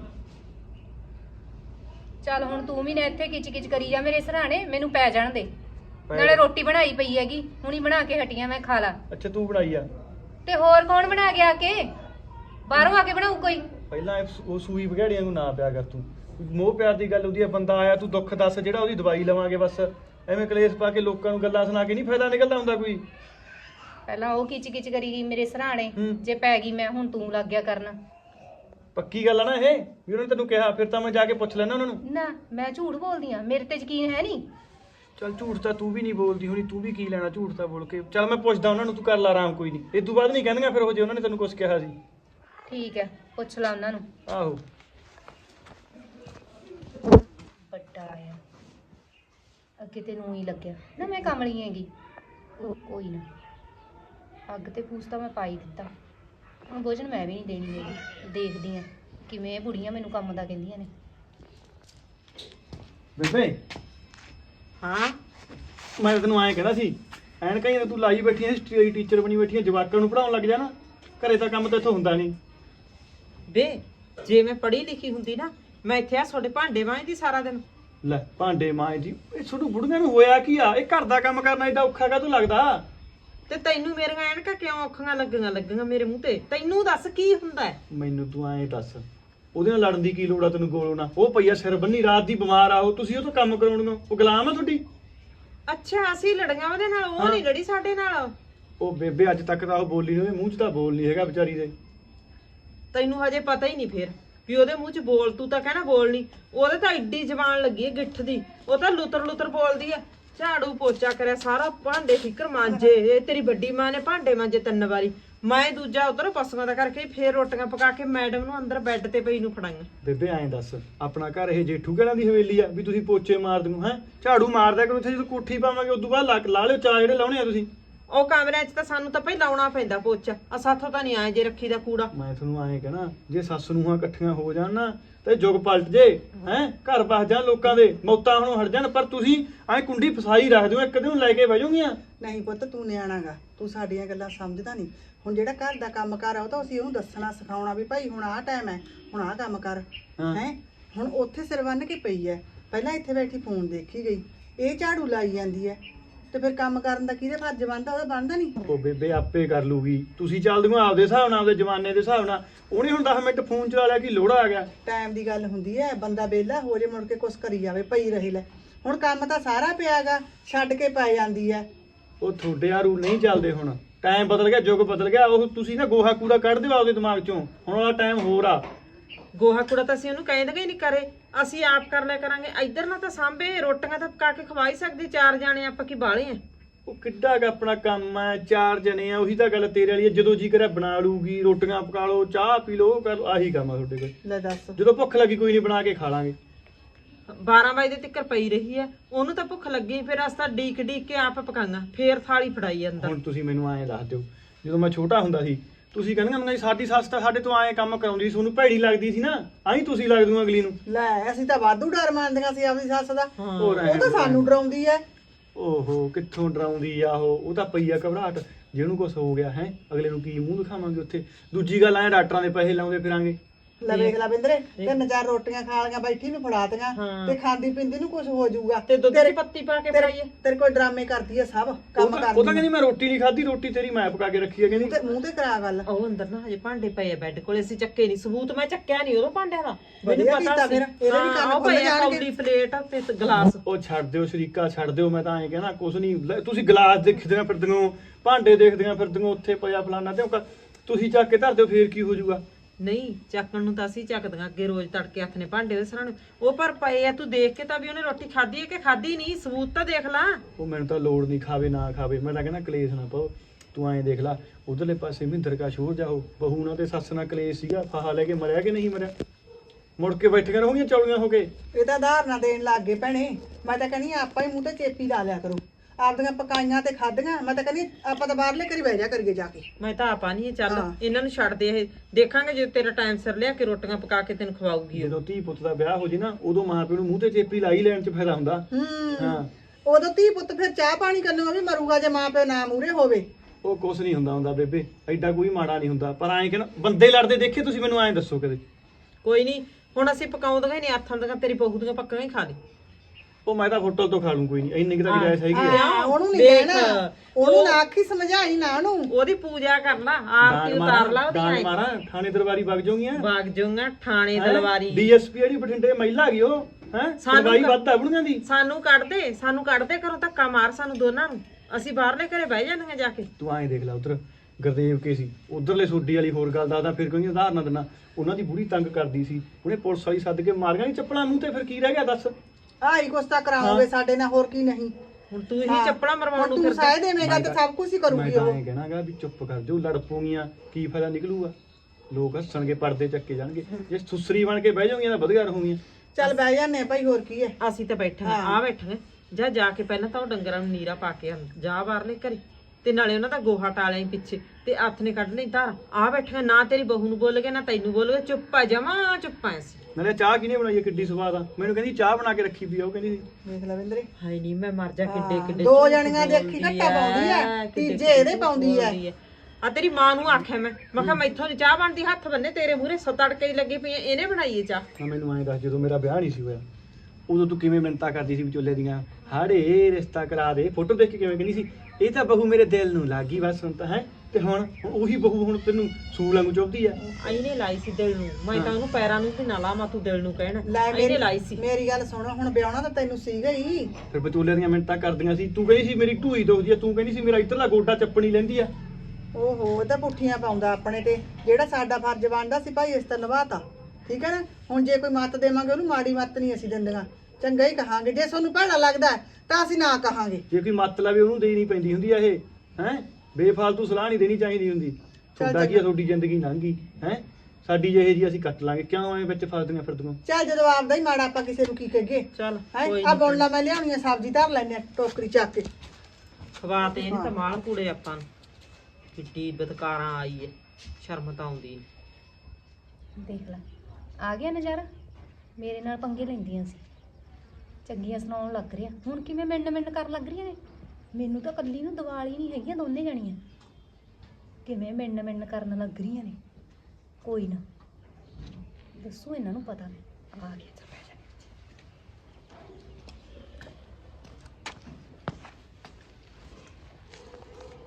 Speaker 1: ਚੱਲ ਹੁਣ ਤੂੰ ਵੀ ਨਾ ਇੱਥੇ ਕਿਚ ਕਿਚ ਕਰੀ ਜਾ ਮੇਰੇ ਸਰਾਣੇ, ਮੈਨੂੰ ਪੈ ਜਾਣ ਦੇ।
Speaker 4: ਪੈ-
Speaker 1: ਨਾਲੇ ਰੋਟੀ ਬਣਾਈ ਪਈ ਹੈਗੀ, ਹੁਣੀ ਬਣਾ ਕੇ ਹਟੀਆਂ, ਮੈਂ ਖਾ ਲਾ।
Speaker 4: ਅੱਛਾ, ਤੂੰ ਬਣਾਈ ਆ?
Speaker 1: ਤੇ ਹੋਰ ਕੌਣ ਬਣਾ ਕੇ ਆ ਕੇ? ਬਾਹਰੋਂ ਆ ਕੇ ਬਣਾਊ ਕੋਈ?
Speaker 4: ਪਹਿਲਾਂ ਇਹ ਉਹ ਸੂਈ ਬਗੜੀਆਂ ਨੂੰ ਨਾ ਪਿਆ ਕਰ ਤੂੰ। ਮੋਹ ਪਿਆਰ ਦੀ ਗੱਲ ਉਹਦੀ ਆ, ਬੰਦਾ ਆਇਆ ਤੂੰ ਦੁੱਖ ਦੱਸ, ਜਿਹੜਾ ਉਹਦੀ ਦਵਾਈ ਲਵਾਂਗੇ ਬਸ। ਐਵੇਂ ਕਲੇਸ਼ ਪਾ ਕੇ ਲੋਕਾਂ ਨੂੰ ਗੱਲਾਂ ਸੁਣਾ ਕੇ ਨਹੀਂ ਫਾਇਦਾ ਨਿਕਲਦਾ ਹੁੰਦਾ ਕੋਈ।
Speaker 1: ਪਹਿਲਾਂ ਉਹ ਕਿਚ ਕਿਚ ਕਰੀ ਗਈ ਮੇਰੇ ਸਰਾਣੇ,
Speaker 4: ਹੂੰ।
Speaker 1: ਜੇ ਪੈ ਗਈ ਮੈਂ, ਹੁਣ ਤੂੰ ਲੱਗ ਗਿਆ ਕਰਨ।
Speaker 4: ਪੱਕੀ ਗੱਲ ਆ ਨਾ ਇਹ ਵੀ ਉਹਨਾਂ ਨੇ ਤੈਨੂੰ ਕਿਹਾ? ਫਿਰ ਤਾਂ ਮੈਂ ਜਾ ਕੇ ਪੁੱਛ ਲੈਣਾ ਉਹਨਾਂ ਨੂੰ।
Speaker 1: ਨਾ ਮੈਂ ਝੂਠ ਬੋਲਦੀ ਆ, ਮੇਰੇ ਤੇ ਯਕੀਨ ਹੈ ਨਹੀਂ।
Speaker 4: ਚੱਲ ਝੂਠ ਤਾਂ ਤੂੰ ਵੀ ਨਹੀਂ ਬੋਲਦੀ ਹੋਣੀ, ਤੂੰ ਵੀ ਕੀ ਲੈਣਾ ਝੂਠ ਤਾਂ ਬੋਲ ਕੇ। ਚੱਲ ਮੈਂ ਪੁੱਛਦਾ ਉਹਨਾਂ ਨੂੰ, ਤੂੰ ਕਰ ਲਾ ਆਰਾਮ, ਕੋਈ ਨਹੀਂ। ਇਹ ਤੋਂ ਬਾਅਦ ਨਹੀਂ ਕਹਿੰਦੀਆਂ ਫਿਰ ਉਹ, ਜੇ ਉਹਨਾਂ ਨੇ ਤੈਨੂੰ ਕੁਝ ਕਿਹਾ ਸੀ।
Speaker 1: ਠੀਕ ਹੈ, ਪੁੱਛ ਲਾ ਉਹਨਾਂ ਨੂੰ।
Speaker 4: ਆਹੋ।
Speaker 1: ਵੱਡਾ ਆਇਆ ਅੱਗੇ ਤੇ ਨੂੰ ਹੀ ਲੱਗਿਆ ਨਾ, ਮੈਂ ਕਮਲੀ ਹੈਗੀ। ਉਹ ਕੋਈ ਨਾ, ਅੱਗ ਤੇ ਫੂਸ ਤਾਂ ਮੈਂ ਪਾਈ ਦਿੱਤਾ, ਹੁਣ ਭੋਜਨ ਮੈਂ ਵੀ ਨਹੀਂ ਦੇਣੀ ਹੈਗੀ। ਦੇਖਦੀ ਆ ਕਿਵੇਂ ਇਹ ਬੁੜੀਆਂ ਮੈਨੂੰ ਕੰਮ ਦਾ ਕਹਿੰਦੀਆਂ ਨੇ।
Speaker 4: ਬੇਬੇ,
Speaker 3: ਹਾਂ,
Speaker 4: ਮੈਂ ਤੈਨੂੰ ਐਂ ਕਹਿੰਦਾ ਸੀ, ਐਨਕਾਂ ਹੀ ਤੂੰ ਲਾਈ ਬੈਠੀ ਐ, ਹਿਸਟਰੀ ਦੀ ਟੀਚਰ ਬਣੀ ਬੈਠੀ ਐ, ਜਵਾਕਾਂ ਨੂੰ ਪੜਾਉਣ ਲੱਗ ਜਾ ਨਾ। ਘਰੇ ਤਾਂ ਕੰਮ ਤਾਂ ਇੱਥੋਂ ਹੁੰਦਾ ਨਹੀਂ।
Speaker 3: ਵੇ ਜੇ ਮੈਂ ਪੜ੍ਹੀ ਲਿਖੀ ਹੁੰਦੀ ਨਾ, ਮੈਂ ਇੱਥੇ ਆ ਤੁਹਾਡੇ ਭਾਂਡੇ ਮਾਂਜਦੀ ਸਾਰਾ ਦਿਨ।
Speaker 4: ਲੈ ਭਾਂਡੇ ਮਾਂ ਜੀ, ਇਹ ਛੋਟੂ ਬੁੜੀਆਂ ਨੂੰ ਹੋਇਆ ਕੀ ਆ? ਇਹ ਘਰ ਦਾ ਕੰਮ ਕਰਨਾ ਏਡਾ ਔਖਾ ਕਾ ਤੂੰ ਲੱਗਦਾ?
Speaker 3: ਤੇ ਤੈਨੂੰ ਮੇਰੀਆਂ ਐਨਕਾਂ ਕਿਉਂ ਔਖੀਆਂ ਲੱਗੀਆਂ ਲੱਗੀਆਂ ਮੇਰੇ ਮੂੰਹ ਤੇ? ਤੈਨੂੰ ਦੱਸ ਕੀ ਹੁੰਦਾ ਹੈ?
Speaker 4: ਮੈਨੂੰ ਤੂੰ ਐਂ ਦੱਸ, ਉਹਦੇ ਨਾਲ ਲੜਨ ਦੀ ਕੀ ਲੋੜ ਆ ਤੈਨੂੰ? ਗੋਲੋ ਨਾ, ਉਹ ਪਈਆ ਸਿਰ ਬੰਨੀ, ਰਾਤ ਦੀ ਬਿਮਾਰ ਆ ਉਹ, ਤੁਸੀਂ ਉਹ ਤੋਂ ਕੰਮ ਕਰਾਉਣਗੇ? ਉਹ ਗੁਲਾਮ ਆ ਤੁਹਾਡੀ?
Speaker 3: ਅੱਛਾ, ਅਸੀਂ ਲੜੀਆਂ ਉਹਦੇ ਨਾਲ, ਉਹ ਨਹੀਂ ਲੜੀ ਸਾਡੇ ਨਾਲ।
Speaker 4: ਉਹ ਬੇਬੇ ਅੱਜ ਤੱਕ ਤਾਂ ਉਹ ਬੋਲੀ ਨਹੀਂ, ਉਹਦੇ ਮੂੰਹ 'ਚ ਤਾਂ ਬੋਲ ਨਹੀਂ ਹੈਗਾ ਵਿਚਾਰੀ ਦੇ।
Speaker 3: ਤੈਨੂੰ ਹਜੇ ਪਤਾ ਹੀ ਨਹੀਂ ਫੇਰ ਵੀ ਉਹਦੇ ਮੂੰਹ 'ਚ ਬੋਲ, ਤੂੰ ਤਾਂ ਕਹਿਣਾ ਬੋਲ ਨਹੀਂ। ਉਹਦੇ ਤਾਂ ਐਡੀ ਜ਼ਬਾਨ ਲੱਗੀ ਹੈ ਗਿੱਠ ਦੀ, ਉਹ ਤਾਂ ਲੁੱਤਰ ਲੁੱਤਰ ਬੋਲਦੀ ਆ। ਝਾੜੂ ਪੋਚਾ ਕਰਿਆ, ਸਾਰਾ ਭਾਂਡੇ ਫਿਕਰ ਮਾਂਜੇ। ਇਹ ਤੇਰੀ ਵੱਡੀ ਮਾਂ ਨੇ ਭਾਂਡੇ ਮਾਂਜੇ ਤਿੰਨ ਵਾਰੀ, ਮੈਂ ਦੂਜਾ ਉਧਰ ਪਸ਼ੂਆਂ ਦਾ ਕਰਕੇ ਫੇਰ ਰੋਟੀਆਂ ਪਕਾ ਕੇ ਮੈਡਮ ਨੂੰ ਅੰਦਰ ਬੈੱਡ ਤੇ ਪਈ ਨੂੰ ਫੜਾਈਆਂ।
Speaker 4: ਬੇਬੇ ਐਂ ਦੱਸ, ਆਪਣਾ ਘਰ ਇਹ ਜੇਠੂ ਕਿਹਨਾਂ ਦੀ ਹਵੇਲੀ ਆ ਵੀ ਤੁਸੀਂ ਪੋਚੇ ਮਾਰ ਦਿਓ? ਹੈ ਝਾੜੂ ਮਾਰਦਾ ਕਰੋ ਇੱਥੇ, ਜਦੋਂ ਕੋਠੀ ਪਾਵਾਂਗੇ ਉਦੋਂ ਬਾਅਦ ਲਾ ਲਾ ਲਿਓ ਚਾਹ ਜਿਹੜੇ ਲਾਉਣੇ ਆ ਤੁਸੀਂ।
Speaker 3: ਉਹ ਕਮਰਿਆਂ 'ਚ ਤਾਂ ਸਾਨੂੰ ਤਾਂ ਪਹਿਲਾਂ ਲਾਉਣਾ ਪੈਂਦਾ ਪੋਚਾ, ਆ ਸਾਥੋਂ ਤਾਂ ਨਹੀਂ ਆਏ ਜੇ ਰੱਖੀ ਦਾ ਕੂੜਾ।
Speaker 4: ਮੈਂ ਤੁਹਾਨੂੰ ਐਂ ਕਹਿਣਾ, ਜੇ ਸੱਸ ਨੂੰਹਾਂ ਇਕੱਠੀਆਂ ਹੋ ਜਾਣ ਨਾ ਤੇ ਯੁੱਗ ਪਲਟ ਜੇ। ਹੈ ਘਰ ਬਸ ਜਾਣ ਲੋਕਾਂ ਦੇ, ਮੌਤਾਂ ਹੁਣ ਹਟ ਜਾਣ, ਪਰ ਤੁਸੀਂ ਐਂ ਕੁੰਡੀ ਫਸਾਈ ਰੱਖ ਦਿਓ, ਇੱਕ ਦਿਨ ਲੈ ਕੇ ਬਹਿ ਜਾਓਗੀਆਂ।
Speaker 2: ਨਹੀਂ ਪੁੱਤ, ਤੂੰ ਨਿਆਣਾਗਾ, ਤੂੰ ਸਾਡੀਆਂ ਗੱਲਾਂ ਸਮਝਦਾ ਨਹੀਂ। ਹੁਣ ਜਿਹੜਾ ਘਰ ਦਾ ਕੰਮ ਕਰ ਆ ਉਹ ਤਾਂ ਅਸੀਂ ਉਹਨੂੰ ਦੱਸਣਾ ਸਿਖਾਉਣਾ ਵੀ ਭਾਈ ਹੁਣ ਆਹ ਟਾਈਮ ਹੈ, ਹੁਣ ਆਹ ਕੰਮ ਕਰ।
Speaker 4: ਹਾਂ।
Speaker 2: ਹੈ ਹੁਣ ਉੱਥੇ ਸਿਰ ਬੰਨ ਕੇ ਪਈ ਹੈ, ਪਹਿਲਾਂ ਇੱਥੇ ਬੈਠੀ ਫੋਨ ਦੇਖੀ ਗਈ, ਇਹ ਝਾੜੂ ਲਾਈ ਜਾਂਦੀ ਹੈ। ਤੇ ਫਿਰ ਕੰਮ ਕਰਨ ਦਾ ਕਿਹਦੇ ਫਰਜ਼ ਬਣਦਾ? ਉਹਦਾ ਬਣਦਾ ਨਹੀਂ।
Speaker 4: ਉਹ ਬੇਬੇ ਆਪੇ ਕਰ ਲੂਗੀ, ਤੁਸੀਂ ਚੱਲਦੇ ਹੋ ਆਪਦੇ ਹਿਸਾਬ ਨਾਲ, ਆਪਦੇ ਜਮਾਨੇ ਦੇ ਹਿਸਾਬ ਨਾਲ। ਉਹਨੇ ਹੁਣ ਦਸ ਮਿੰਟ ਫੋਨ ਚਲਾ ਲਿਆ ਕਿ ਲੋੜਾ ਆ ਗਿਆ।
Speaker 2: ਟਾਈਮ ਦੀ ਗੱਲ ਹੁੰਦੀ ਹੈ, ਬੰਦਾ ਵਿਹਲਾ ਹੋ ਜੇ ਮੁੜ ਕੇ ਕੁਛ ਕਰੀ ਜਾਵੇ, ਪਈ ਰਹੀ ਲੈ। ਹੁਣ ਕੰਮ ਤਾਂ ਸਾਰਾ ਪਿਆਗਾ, ਛੱਡ ਕੇ ਪੈ ਜਾਂਦੀ ਹੈ।
Speaker 4: ਉਹ ਤੁਹਾਡੇ ਆ ਰੂਲ ਨਹੀਂ ਚੱਲਦੇ ਹੁਣ, ਟਾਈਮ ਬਦਲ ਗਿਆ, ਯੁੱਗ ਬਦਲ ਗਿਆ। ਉਹ ਤੁਸੀਂ ਨਾ ਗੋਹਾ ਕੂੜਾ ਕੱਢ ਦਿਓ ਆਪਦੇ ਦਿਮਾਗ ਚੋਂ, ਹੁਣ ਵਾਲਾ ਟਾਈਮ ਹੋਰ ਆ।
Speaker 3: ਗੋਹਾ ਕੂੜਾ ਤਾਂ ਅਸੀਂ ਉਹਨੂੰ ਕਹਿੰਦੇ ਹੀ ਨਹੀਂ ਕਰੇ, ਅਸੀਂ ਆਪ ਕਰ ਲਿਆ ਕਰਾਂਗੇ। ਇੱਧਰ ਨਾ ਤਾਂ ਸਾਂਭੇ, ਰੋਟੀਆਂ ਤਾਂ ਪਕਾ ਕੇ ਖਵਾ ਹੀ ਸਕਦੇ, ਚਾਰ ਜਾਣੇ ਆਪਾਂ ਕੀ ਬਾਲੇ ਆ।
Speaker 4: ਉਹ ਕਿੱਡਾ ਕੁ ਆਪਣਾ ਕੰਮ ਆ, ਚਾਰ ਜਣੇ ਆ, ਉਹੀ ਤਾਂ ਗੱਲ ਤੇਰੇ ਵਾਲੀ ਆ। ਜਦੋਂ ਜੀ ਕਰਿਆ ਬਣਾ ਲੂਗੀ, ਰੋਟੀਆਂ ਪਕਾ ਲਓ, ਚਾਹ ਪੀ ਲਓ, ਉਹ ਕਰ ਲਓ, ਆਹੀ ਕੰਮ ਆ ਤੁਹਾਡੇ ਕੋਲ।
Speaker 2: ਲੈ ਦੱਸ।
Speaker 4: ਜਦੋਂ ਭੁੱਖ ਲੱਗੀ ਕੋਈ ਨਹੀਂ, ਬਣਾ ਕੇ ਖਾ ਲਾਂਗੇ।
Speaker 3: ਬਾਰਾਂ ਵਜੇ ਦੇ ਤੱਕ ਪਈ ਰਹੀ ਹੈ, ਉਹਨੂੰ ਤਾਂ ਭੁੱਖ ਲੱਗੀ, ਫਿਰ ਅਸਾਂ ਡੀਕ ਡੀਕ ਕੇ ਆਪ ਪਕਾਈਆਂ, ਫੇਰ ਥਾਲੀ ਫੜਾਈ ਅੰਦਰ।
Speaker 4: ਹੁਣ ਤੁਸੀਂ ਮੈਨੂੰ ਐਂ ਦੱਸ ਦਿਓ, ਜਦੋਂ ਮੈਂ ਛੋਟਾ ਹੁੰਦਾ ਸੀ ਤੁਸੀਂ ਕਹਿੰਦੇ ਹੁੰਦੇ ਸੀ ਸਾਡੀ ਸੱਸ ਤਾਂ ਸਾਡੇ ਤੋਂ ਐਂ ਕੰਮ ਕਰਾਉਂਦੀ ਸੀ, ਤੁਹਾਨੂੰ ਭੈੜੀ ਲੱਗਦੀ ਸੀ ਨਾ, ਆਈ ਤੁਸੀਂ ਲੱਗਦੇ ਹੋ ਅਗਲੀ ਨੂੰ।
Speaker 2: ਲੈ ਅਸੀਂ ਤਾਂ ਵਾਧੂ ਡਰ ਮੰਨਦੀਆਂ ਸੀ ਆਪਣੀ ਸੱਸ ਦਾ,
Speaker 4: ਹੋਰ
Speaker 2: ਉਹ ਤਾਂ ਸਾਨੂੰ ਡਰਾਉਂਦੀ ਐ।
Speaker 4: ਓਹੋ ਕਿੱਥੋਂ ਡਰਾਉਂਦੀ ਆ ਉਹ ਉਹ ਤਾਂ ਪਈ ਆ ਘਬਰਾਹਟ, ਜਿਹਨੂੰ ਕੁਛ ਹੋ ਗਿਆ ਹੈ ਅਗਲੇ ਨੂੰ ਕੀ ਮੂੰਹ ਦਿਖਾਵਾਂਗੇ ਉੱਥੇ। ਦੂਜੀ ਗੱਲ ਐ ਡਾਕਟਰਾਂ ਦੇ ਪੈਸੇ ਲਾਉਂਦੇ ਫਿਰਾਂਗੇ।
Speaker 2: ਲੈ ਵੇਖ ਲੈ ਬਿੰਦਰੇ, ਤਿੰਨ ਚਾਰ ਰੋਟੀਆਂ ਖਾ ਲੀਆਂ, ਬੈਠੀ ਨੂੰ ਫੜਾਤੀਆਂ ਤੇ ਖਾਂਦੀ ਪੀਂਦੀ ਨੂੰ ਕੁਝ ਹੋ ਜਾਊਗਾ।
Speaker 3: ਤੇ ਦੁੱਧ ਦੀ ਪੱਤੀ ਪਾ ਕੇ ਫੜਾਈਏ।
Speaker 2: ਤੇਰੇ ਕੋਲ ਡਰਾਮੇ ਕਰਦੀ ਐ, ਸਭ ਕੰਮ
Speaker 4: ਉਹ ਤਾਂ
Speaker 2: ਕਰਦੀ
Speaker 4: ਕਹਿੰਦੀ ਮੈਂ ਰੋਟੀ ਨਹੀਂ ਖਾਧੀ, ਰੋਟੀ ਤੇਰੀ ਮੈਂ ਪਕਾ ਕੇ ਰੱਖੀ ਆ ਕਹਿੰਦੀ।
Speaker 2: ਤੇ ਮੂੰਹ ਤੇ ਕਰਾ ਗੱਲ।
Speaker 3: ਉਹ ਅੰਦਰ ਨਾ ਹਜੇ ਭਾਂਡੇ ਪਏ ਆ ਬੈੱਡ ਕੋਲੇ, ਅਸੀਂ ਚੱਕੇ ਨਹੀਂ, ਸਬੂਤ ਮੈਂ ਚੱਕਿਆ ਨਹੀਂ ਉਦੋਂ ਭਾਂਡਿਆਂ ਦਾ। ਮੈਨੂੰ
Speaker 2: ਵਧੀਆ
Speaker 3: ਪਤਾ
Speaker 2: ਕੀਤਾ
Speaker 3: ਸੀ
Speaker 2: ਫਿਰ, ਇਹਦੇ ਵੀ ਕੰਨ
Speaker 3: ਹਾਂ, ਉਹ
Speaker 2: ਖੁੱਲ
Speaker 3: ਪਏ ਆ,
Speaker 2: ਜਾਣਗੇ।
Speaker 3: ਕੌਲੀ ਪਲੇਟ ਤੇ ਗਲਾਸ।
Speaker 4: ਉਹ ਛੱਡ ਦਿਓ ਸ਼ਰੀਕਾ, ਛੱਡ ਦਿਓ। ਮੈਂ ਤਾਂ ਐਂ ਕਹਿਣਾ ਕੁਛ ਨਹੀਂ, ਤੁਸੀਂ ਗਲਾਸ ਦੇਖਦਿਆਂ ਫਿਰਦੀਆਂ, ਭਾਂਡੇ ਦੇਖਦਿਆਂ ਫਿਰਦੀਆਂ, ਉੱਥੇ ਪਿਆ ਫਲਾਨਾ ਤੇ ਉਹ ਤੁਸੀਂ ਚੱਕ ਕੇ ਧਰ ਦਿਓ, ਫੇਰ ਕੀ ਹੋ ਜਾਊਗਾ?
Speaker 3: ਨਹੀਂ ਚੱਕਣ ਨੂੰ ਤਾਂ ਅਸੀਂ ਚੱਕਦੀਆਂ ਅੱਗੇ, ਰੋਜ਼ ਤੜਕੇ ਹੱਥ ਨੇ ਭਾਂਡੇ ਦੇ ਸਰਾਣੇ ਉਹ ਪਰ ਪਏ ਆ। ਤੂੰ ਦੇਖ ਕੇ ਤਾਂ ਵੀ ਉਹਨੇ ਰੋਟੀ ਖਾਧੀ ਹੈ ਕਿ ਖਾਧੀ ਨਹੀਂ, ਸਬੂਤ ਤਾਂ ਦੇਖ ਲਾ।
Speaker 4: ਉਹ ਮੈਨੂੰ ਤਾਂ ਲੋੜ ਨਹੀਂ, ਖਾਵੇ ਨਾ ਖਾਵੇ, ਮੈਂ ਤਾਂ ਕਹਿੰਦਾ ਕਲੇਸ਼ ਨਾ ਪਾਓ। ਤੂੰ ਐਂ ਦੇਖ ਲਾ ਉਧਰਲੇ ਪਾਸੇ ਮਹਿੰਦਰ ਕਾ ਸ਼ੋਰ ਜਾਓ, ਬਹੂ ਨਾਲ ਤੇ ਸੱਸ ਨਾਲ ਕਲੇਸ਼ ਸੀਗਾ, ਫਾਹਾ ਲੈ ਕੇ ਮਰਿਆ ਕਿ ਨਹੀਂ ਮਰਿਆ? ਮੁੜ ਕੇ ਬੈਠੀਆਂ ਰਹੋਗੀਆਂ ਚੌੜੀਆਂ ਹੋ ਕੇ।
Speaker 2: ਇਹ ਤਾਂ ਧਾਰਨਾ ਦੇਣ ਲੱਗ ਗਏ ਭੈਣੇ। ਮੈਂ ਤਾਂ ਕਹਿੰਦੀ ਆਪਾਂ ਹੀ ਮੂੰਹ ਤੇ ਚੇਪੀ ਲਾ ਲਿਆ ਕਰੋ, ਆਪਦੀਆਂ ਪਕਾਈਆਂ ਤੇ ਖਾਧੀਆਂ। ਮੈਂ ਤਾਂ ਕਹਿੰਦੀ ਆਪਾਂ ਤਾਂ ਬਾਹਰਲੇ ਘਰੀ ਬਹਿ ਜਾ ਕਰੀਏ ਜਾ ਕੇ।
Speaker 3: ਮੈਂ ਤਾਂ ਆਪਾ ਨਹੀਂ ਚੱਲ
Speaker 2: ਹਾਂ।
Speaker 3: ਇਹਨਾਂ ਨੂੰ ਛੱਡ ਦੇ, ਇਹ ਦੇਖਾਂਗੇ ਜੇ ਤੇਰਾ ਟਾਈਮ ਸਿਰ ਲਿਆ ਕੇ ਰੋਟੀਆਂ ਪਕਾ ਕੇ ਤੈਨੂੰ ਖਵਾਊਗੀ।
Speaker 4: ਜਦੋਂ ਧੀ ਪੁੱਤ ਦਾ ਵਿਆਹ ਹੋ ਜੇ ਨਾ, ਉਦੋਂ ਮਾਂ ਪਿਓ ਨੂੰ ਮੂੰਹ ਤੇ ਚੇਪੀ ਲਾਈ ਲੈਣ ਚ ਫਾਇਦਾ ਹੁੰਦਾ।
Speaker 2: ਹੂੰ
Speaker 4: ਹਾਂ
Speaker 2: ਉਦੋਂ ਧੀ ਪੁੱਤ ਫਿਰ ਚਾਹ ਪਾਣੀ ਕਰਨੋਂ ਵੀ ਮਰੂਗਾ ਜੇ ਮਾਂ ਪਿਓ ਨਾ ਮੂਰੇ ਹੋਵੇ।
Speaker 4: ਉਹ ਕੁਛ ਨਹੀਂ ਹੁੰਦਾ ਹੁੰਦਾ ਬੇਬੇ, ਐਡਾ ਕੋਈ ਮਾੜਾ ਨਹੀਂ ਹੁੰਦਾ। ਪਰ ਐਂ ਕਹਿੰਦਾ ਬੰਦੇ ਲੜਦੇ ਦੇਖੇ ਤੁਸੀਂ? ਮੈਨੂੰ ਐਂ ਦੱਸੋ ਕਦੇ।
Speaker 3: ਕੋਈ ਨਹੀਂ, ਹੁਣ ਅਸੀਂ ਪਕਾਉਂਦੀਆਂ ਹੀ ਨਹੀਂ, ਆਥਾਂ ਦੀਆਂ ਤੇਰੀ ਬਹੂ ਦੀਆਂ ਪੱਕੀਆਂ ਹੀ ਖਾ ਲਈ।
Speaker 4: ਉਹ ਮੈਂ ਤਾਂ ਹੋਟਲ ਤੋਂ ਖਾ ਲੂੰ, ਕੋਈ ਨਹੀਂ, ਇੰਨੀ ਕਿ ਤਾਂ ਗੁਜਾਇਸ਼ ਹੈਗੀ ਆ।
Speaker 2: ਹਾਂ, ਉਹਨੂੰ ਨਹੀਂ
Speaker 3: ਦੇਖ,
Speaker 2: ਕਹਿਣਾ, ਉਹਨੂੰ ਨਾ ਆਖੀ, ਸਮਝਾਈ ਨਾ ਉਹਨੂੰ।
Speaker 3: ਉਹਦੀ ਪੂਜਾ ਕਰ ਲਾ, ਆਰਤੀ ਉਤਾਰ ਲਾ
Speaker 4: ਦਾਨ
Speaker 3: ਉਹਦੀ।
Speaker 4: ਮਾਰਾਂ, ਥਾਣੇ ਦਰਬਾਰੀ ਵਗ ਜਾਊਗੀਆਂ।
Speaker 3: ਬਾਗ ਜੂੰਗਾ ਥਾਣੇ ਦਲਵਾਰੀ।
Speaker 4: ਡੀਐਸਪੀ ਜਿਹੜੀ ਬਠਿੰਡੇ ਮਹਿਲਾ ਹੈਗੀ ਉਹ ਹੈ ਸਰਵਾਈ ਵੱਧ ਆ ਬੁੜੀਆਂ ਦੀ।
Speaker 3: ਸਾਨੂੰ ਕੱਢ ਦੇ, ਸਾਨੂੰ ਕੱਢ ਦੇ ਕਰੋ, ਧੱਕਾ ਮਾਰ ਸਾਨੂੰ ਦੋਨਾਂ ਨੂੰ, ਅਸੀਂ ਬਾਹਰਲੇ ਘਰੇ ਬਹਿ ਜਾਂਦੀਆਂ ਜਾ ਕੇ।
Speaker 4: ਤੂੰ ਐਂ ਦੇਖ ਲੈ ਉਧਰ ਗੁਰਦੇਵ ਕੇ ਸੀ, ਉਧਰਲੇ ਸੋਡੀ ਵਾਲੀ ਹੋਰ ਗੱਲ ਦੱਸਦਾ, ਫਿਰ ਕੋਈ ਉਦਾਹਰਨ ਦਿੰਦਾ। ਉਹਨਾਂ ਦੀ ਬੁੜੀ ਤੰਗ ਕਰਦੀ ਸੀ, ਉਹਨੇ ਪੁਲਿਸ ਵਾਲੀ ਸੱਦ ਕੇ ਮਾਰੀਆਂ ਨਹੀਂ ਚੱਪਲਾਂ ਮੂੰਹ ਤੇ, ਫਿਰ ਕੀ ਰਹਿ ਗਿਆ ਦੱਸ?
Speaker 2: ਆਹੀ ਕੁਛ ਤਾਂ ਕਰਾਉਂਗੇ ਸਾਡੇ ਨਾਲ, ਹੋਰ ਕੀ ਨਹੀਂ।
Speaker 3: ਹੁਣ ਤੂੰ ਹੀ ਚੱਪੜਾ ਮਰਵਾਉਣ
Speaker 2: ਹੁਣ
Speaker 3: ਨੂੰ
Speaker 2: ਤੂੰ
Speaker 3: ਫਿਰਦਾ।
Speaker 2: ਸਾਇ ਦੇਵੇਂਗਾ ਤੇ ਸਭ ਕੁਝ ਹੀ
Speaker 4: ਮੈਂ
Speaker 2: ਕਰੂਗੀ
Speaker 4: ਤਾਂ
Speaker 2: ਉਹ।
Speaker 4: ਐਂ ਕਹਿਣਾਗਾ ਵੀ ਚੁੱਪ ਕਰ ਜਾਓ, ਲੜ ਪੋਗੀਆਂ ਕੀ ਫਾਇਦਾ ਨਿਕਲੂਗਾ? ਲੋਕ ਹੱਸਣਗੇ, ਪਰਦੇ ਚੱਕੇ ਜਾਣਗੇ। ਜੇ ਸੁਸਰੀ ਬਣ ਕੇ ਬਹਿ ਜਾਓਗੀਆਂ ਤਾਂ ਵਧੀਆ ਰਹੋਗੀਆਂ।
Speaker 2: ਚੱਲ ਬਹਿ ਜਾਂਦੇ ਭਾਈ, ਹੋਰ ਕੀ ਹੈ।
Speaker 3: ਅਸੀਂ ਤਾਂ ਬੈਠੇ ਆ, ਆ ਬੈਠੇ ਜਾ ਜਾ ਕੇ ਪਹਿਲਾਂ ਤਾਂ ਉਹ ਡੰਗਰਾਂ ਨੂੰ ਨੀਰਾ ਪਾ ਕੇ ਆਂ, ਜਾ ਬਾਹਰਲੇ ਘਰੇ, ਤੇ ਨਾਲੇ ਉਹਨਾਂ ਦਾ ਗੋਹਾ ਟਾਲਿਆਂ ਪਿੱਛੇ, ਤੇ ਹੱਥ ਨੇ ਕੱਢ ਲਈ ਧਾਰ। ਆ ਬੈਠੇ ਨਾ ਤੇਰੀ ਬਹੂ ਨੂੰ ਬੋਲਗੇ ਨਾ ਤੈਨੂੰ ਬੋਲਗੇ, ਚੁੱਪ ਆ, ਜਮਾ ਚੁੱਪ ਆ ਅਸੀਂ।
Speaker 4: ਨਾਲੇ ਚਾਹ ਕਿਹਨੇ ਬਣਾਈ ਹੈ? ਕਿੱਡੀ ਸਵਾਦ ਆ। ਮੈਨੂੰ ਕਹਿੰਦੀ ਚਾਹ ਬਣਾ ਕੇ ਰੱਖੀ ਪਈ ਆ, ਉਹ ਕਹਿੰਦੀ ਸੀ।
Speaker 2: ਵੇਖ ਲੈ ਵਿੰਦਰੇ,
Speaker 3: ਹਾਏ ਨਹੀਂ ਮੈਂ ਮਰ ਜਾ, ਕਿੱਡੇ ਕਿੱਡੇ
Speaker 2: ਦੋ ਜਣੀਆਂ ਦੀ ਅੱਖੀ ਘੱਟਾ ਪਾਉਂਦੀ ਆ, ਤੀਜੇ ਇਹਦੇ ਪਾਉਂਦੀ ਆ।
Speaker 3: ਆ ਤੇਰੀ ਮਾਂ ਨੂੰ ਆਖਿਆ ਮੈਂ ਮੈਂ ਕਿਹਾ ਮੈਥੋਂ ਨੀ ਚਾਹ ਬਣਦੀ, ਹੱਥ ਬੰਨੇ ਤੇਰੇ ਮੂਹਰੇ ਸਤੜਕੇ ਹੀ ਲੱਗੀ ਪਈ, ਇਹਨੇ ਬਣਾਈ ਏ ਚਾਹ।
Speaker 4: ਹਾਂ ਮੈਨੂੰ ਐਂ ਦੱਸ, ਜਦੋਂ ਮੇਰਾ ਵਿਆਹ ਨਹੀਂ ਸੀ ਹੋਇਆ ਉਦੋਂ ਤੂੰ ਕਿਵੇਂ ਮਿੰਤਾ ਕਰਦੀ ਸੀ ਵਿਚੋਲੇ ਦੀਆਂ, ਹਾੜੇ ਰਿਸ਼ਤਾ ਕਰਾ ਦੇ, ਫੋਟੋ ਦੇਖ ਕੇ ਕਿਵੇਂ ਕਹਿੰਦੀ ਸੀ ਇਹ ਤਾਂ ਬਹੂ ਮੇਰੇ ਦਿਲ ਨੂੰ ਲੱਗੀ ਬਸ ਹੁਣ ਤਾਂ ਹੈ। ਤੇ ਹੁਣ ਹੁਣ ਉਹੀ ਬਹੂ ਹੁਣ ਤੈਨੂੰ ਸੂਲ ਵਾਂਗੂ ਚੁੱਭਦੀ ਆ।
Speaker 3: ਇਹਨੇ ਲਾਈ ਸੀ ਦਿਲ ਨੂੰ, ਮੈਂ ਤਾਂ ਉਹਨੂੰ ਪੈਰਾਂ ਨੂੰ ਵੀ ਨਾ ਲਾਵਾਂ, ਤੂੰ ਦਿਲ ਨੂੰ ਕਹਿਣਾ।
Speaker 2: ਲੈ
Speaker 3: ਇਹਨੇ ਲਾਈ ਸੀ।
Speaker 2: ਮੇਰੀ ਗੱਲ ਸੁਣੋ, ਹੁਣ ਵਿਆਹਣਾ ਤਾਂ ਤੈਨੂੰ ਸੀਗਾ ਹੀ।
Speaker 4: ਫਿਰ ਵਿਚੋਲੇ ਦੀਆਂ ਮਿੰਤਾਂ ਕਰਦੀਆਂ ਸੀ, ਤੂੰ ਕਹਿੰਦੀ ਸੀ ਮੇਰੀ ਢੂਈ ਦੁਖਦੀ ਆ, ਤੂੰ ਕਹਿੰਦੀ ਸੀ ਮੇਰਾ ਇੱਧਰਲਾ ਗੋਡਾ ਚੱਪਣੀ ਲੈਂਦੀ ਆ।
Speaker 2: ਓਹੋ, ਇਹ ਤਾਂ ਪੁੱਠੀਆਂ ਪਾਉਂਦਾ ਆਪਣੇ ਤੇ। ਜਿਹੜਾ ਸਾਡਾ ਫਰਜ਼ ਬਣਦਾ ਸੀ ਭਾਈ ਇਸ ਤਾਂ ਨਿਭਾਤਾ, ਠੀਕ ਹੈ ਨਾ। ਹੁਣ ਜੇ ਕੋਈ ਮੱਤ ਦੇਵਾਂਗੇ ਉਹਨੂੰ ਮਾੜੀ ਮੱਤ ਨਹੀਂ ਅਸੀਂ ਦਿੰਦੀਆਂ, ਚੰਗਾ ਹੀ ਕਹਾਂਗੇ। ਜੇ ਤੁਹਾਨੂੰ ਭੈੜਾ ਲੱਗਦਾ ਤਾਂ ਅਸੀਂ ਨਾ ਕਹਾਂਗੇ।
Speaker 4: ਜੇ ਕੋਈ ਮੱਤ ਲਵੇ ਉਹਨੂੰ ਦੇਣੀ ਪੈਂਦੀ ਹੁੰਦੀ ਆ ਇਹ, ਹੈ ਬੇਫਾਲਤੂ ਸਲਾਹ ਨਹੀਂ ਦੇਣੀ ਚਾਹੀਦੀ ਹੁੰਦੀ। ਤੁਹਾਡਾ ਕੀ ਆ, ਤੁਹਾਡੀ ਜ਼ਿੰਦਗੀ ਲੰਘ ਗਈ ਹੈ, ਸਾਡੀ ਜਿਹੇ ਜੀ ਅਸੀਂ ਕੱਟ ਲਾਂਗੇ, ਕਿਉਂ ਐਵੇਂ ਵਿੱਚ ਫਸਦੀਆਂ ਫਿਰਦੀਆਂ?
Speaker 2: ਚੱਲ ਜਦੋਂ ਆਪਦਾ ਹੀ ਮਾੜਾ ਆਪਾਂ ਕਿਸੇ ਨੂੰ ਕੀ ਕਹੀਏ।
Speaker 3: ਚੱਲ
Speaker 2: ਹੈ
Speaker 3: ਕੋਈ
Speaker 2: ਆ ਬੋਲਣਾ, ਮੈਂ ਲਿਆਉਣੀ ਆ ਸਬਜ਼ੀ ਧਰ ਲੈਣੇ ਆ ਟੋਕਰੀ ਚੱਕ ਕੇ।
Speaker 3: ਖਵਾ ਤੇ ਇਹਨੇ ਤਾਂ ਮਾਲ ਕੂੜੇ ਆਪਾਂ ਨੂੰ, ਕਿੱਡੀ ਬਦਕਾਰਾਂ ਆਈ ਏ, ਸ਼ਰਮ ਤਾਂ ਆਉਂਦੀ ਨੀ।
Speaker 1: ਦੇਖ ਲੈ ਆ ਗਿਆ ਨਜ਼ਾਰਾ, ਮੇਰੇ ਨਾਲ ਪੰਗੇ ਲੈਂਦੀਆਂ ਸੀ, ਚੰਗੀਆਂ ਸੁਣਾਉਣ ਲੱਗ ਰਿਹਾ। ਹੁਣ ਕਿਵੇਂ ਮਿੰਡ ਮਿੰਡ ਕਰਨ ਲੱਗ ਰਹੀਆਂ ਨੇ? ਮੈਨੂੰ ਤਾਂ ਕੱਲੀ ਨੂੰ ਦਿਵਾਲੀ ਨਹੀਂ ਹੈਗੀਆਂ, ਦੋਨੇ ਜਾਣੀਆਂ ਕਿਵੇਂ ਮਿੰਡ ਮਿੰਡ ਕਰਨ ਲੱਗ ਰਹੀਆਂ ਨੇ। ਕੋਈ ਨਾ ਦੱਸੋ ਇਹਨਾਂ ਨੂੰ ਪਤਾ ਨਹੀਂ। ਆ ਗਿਆ ਚੱਲ ਬਹਿ ਜਾ।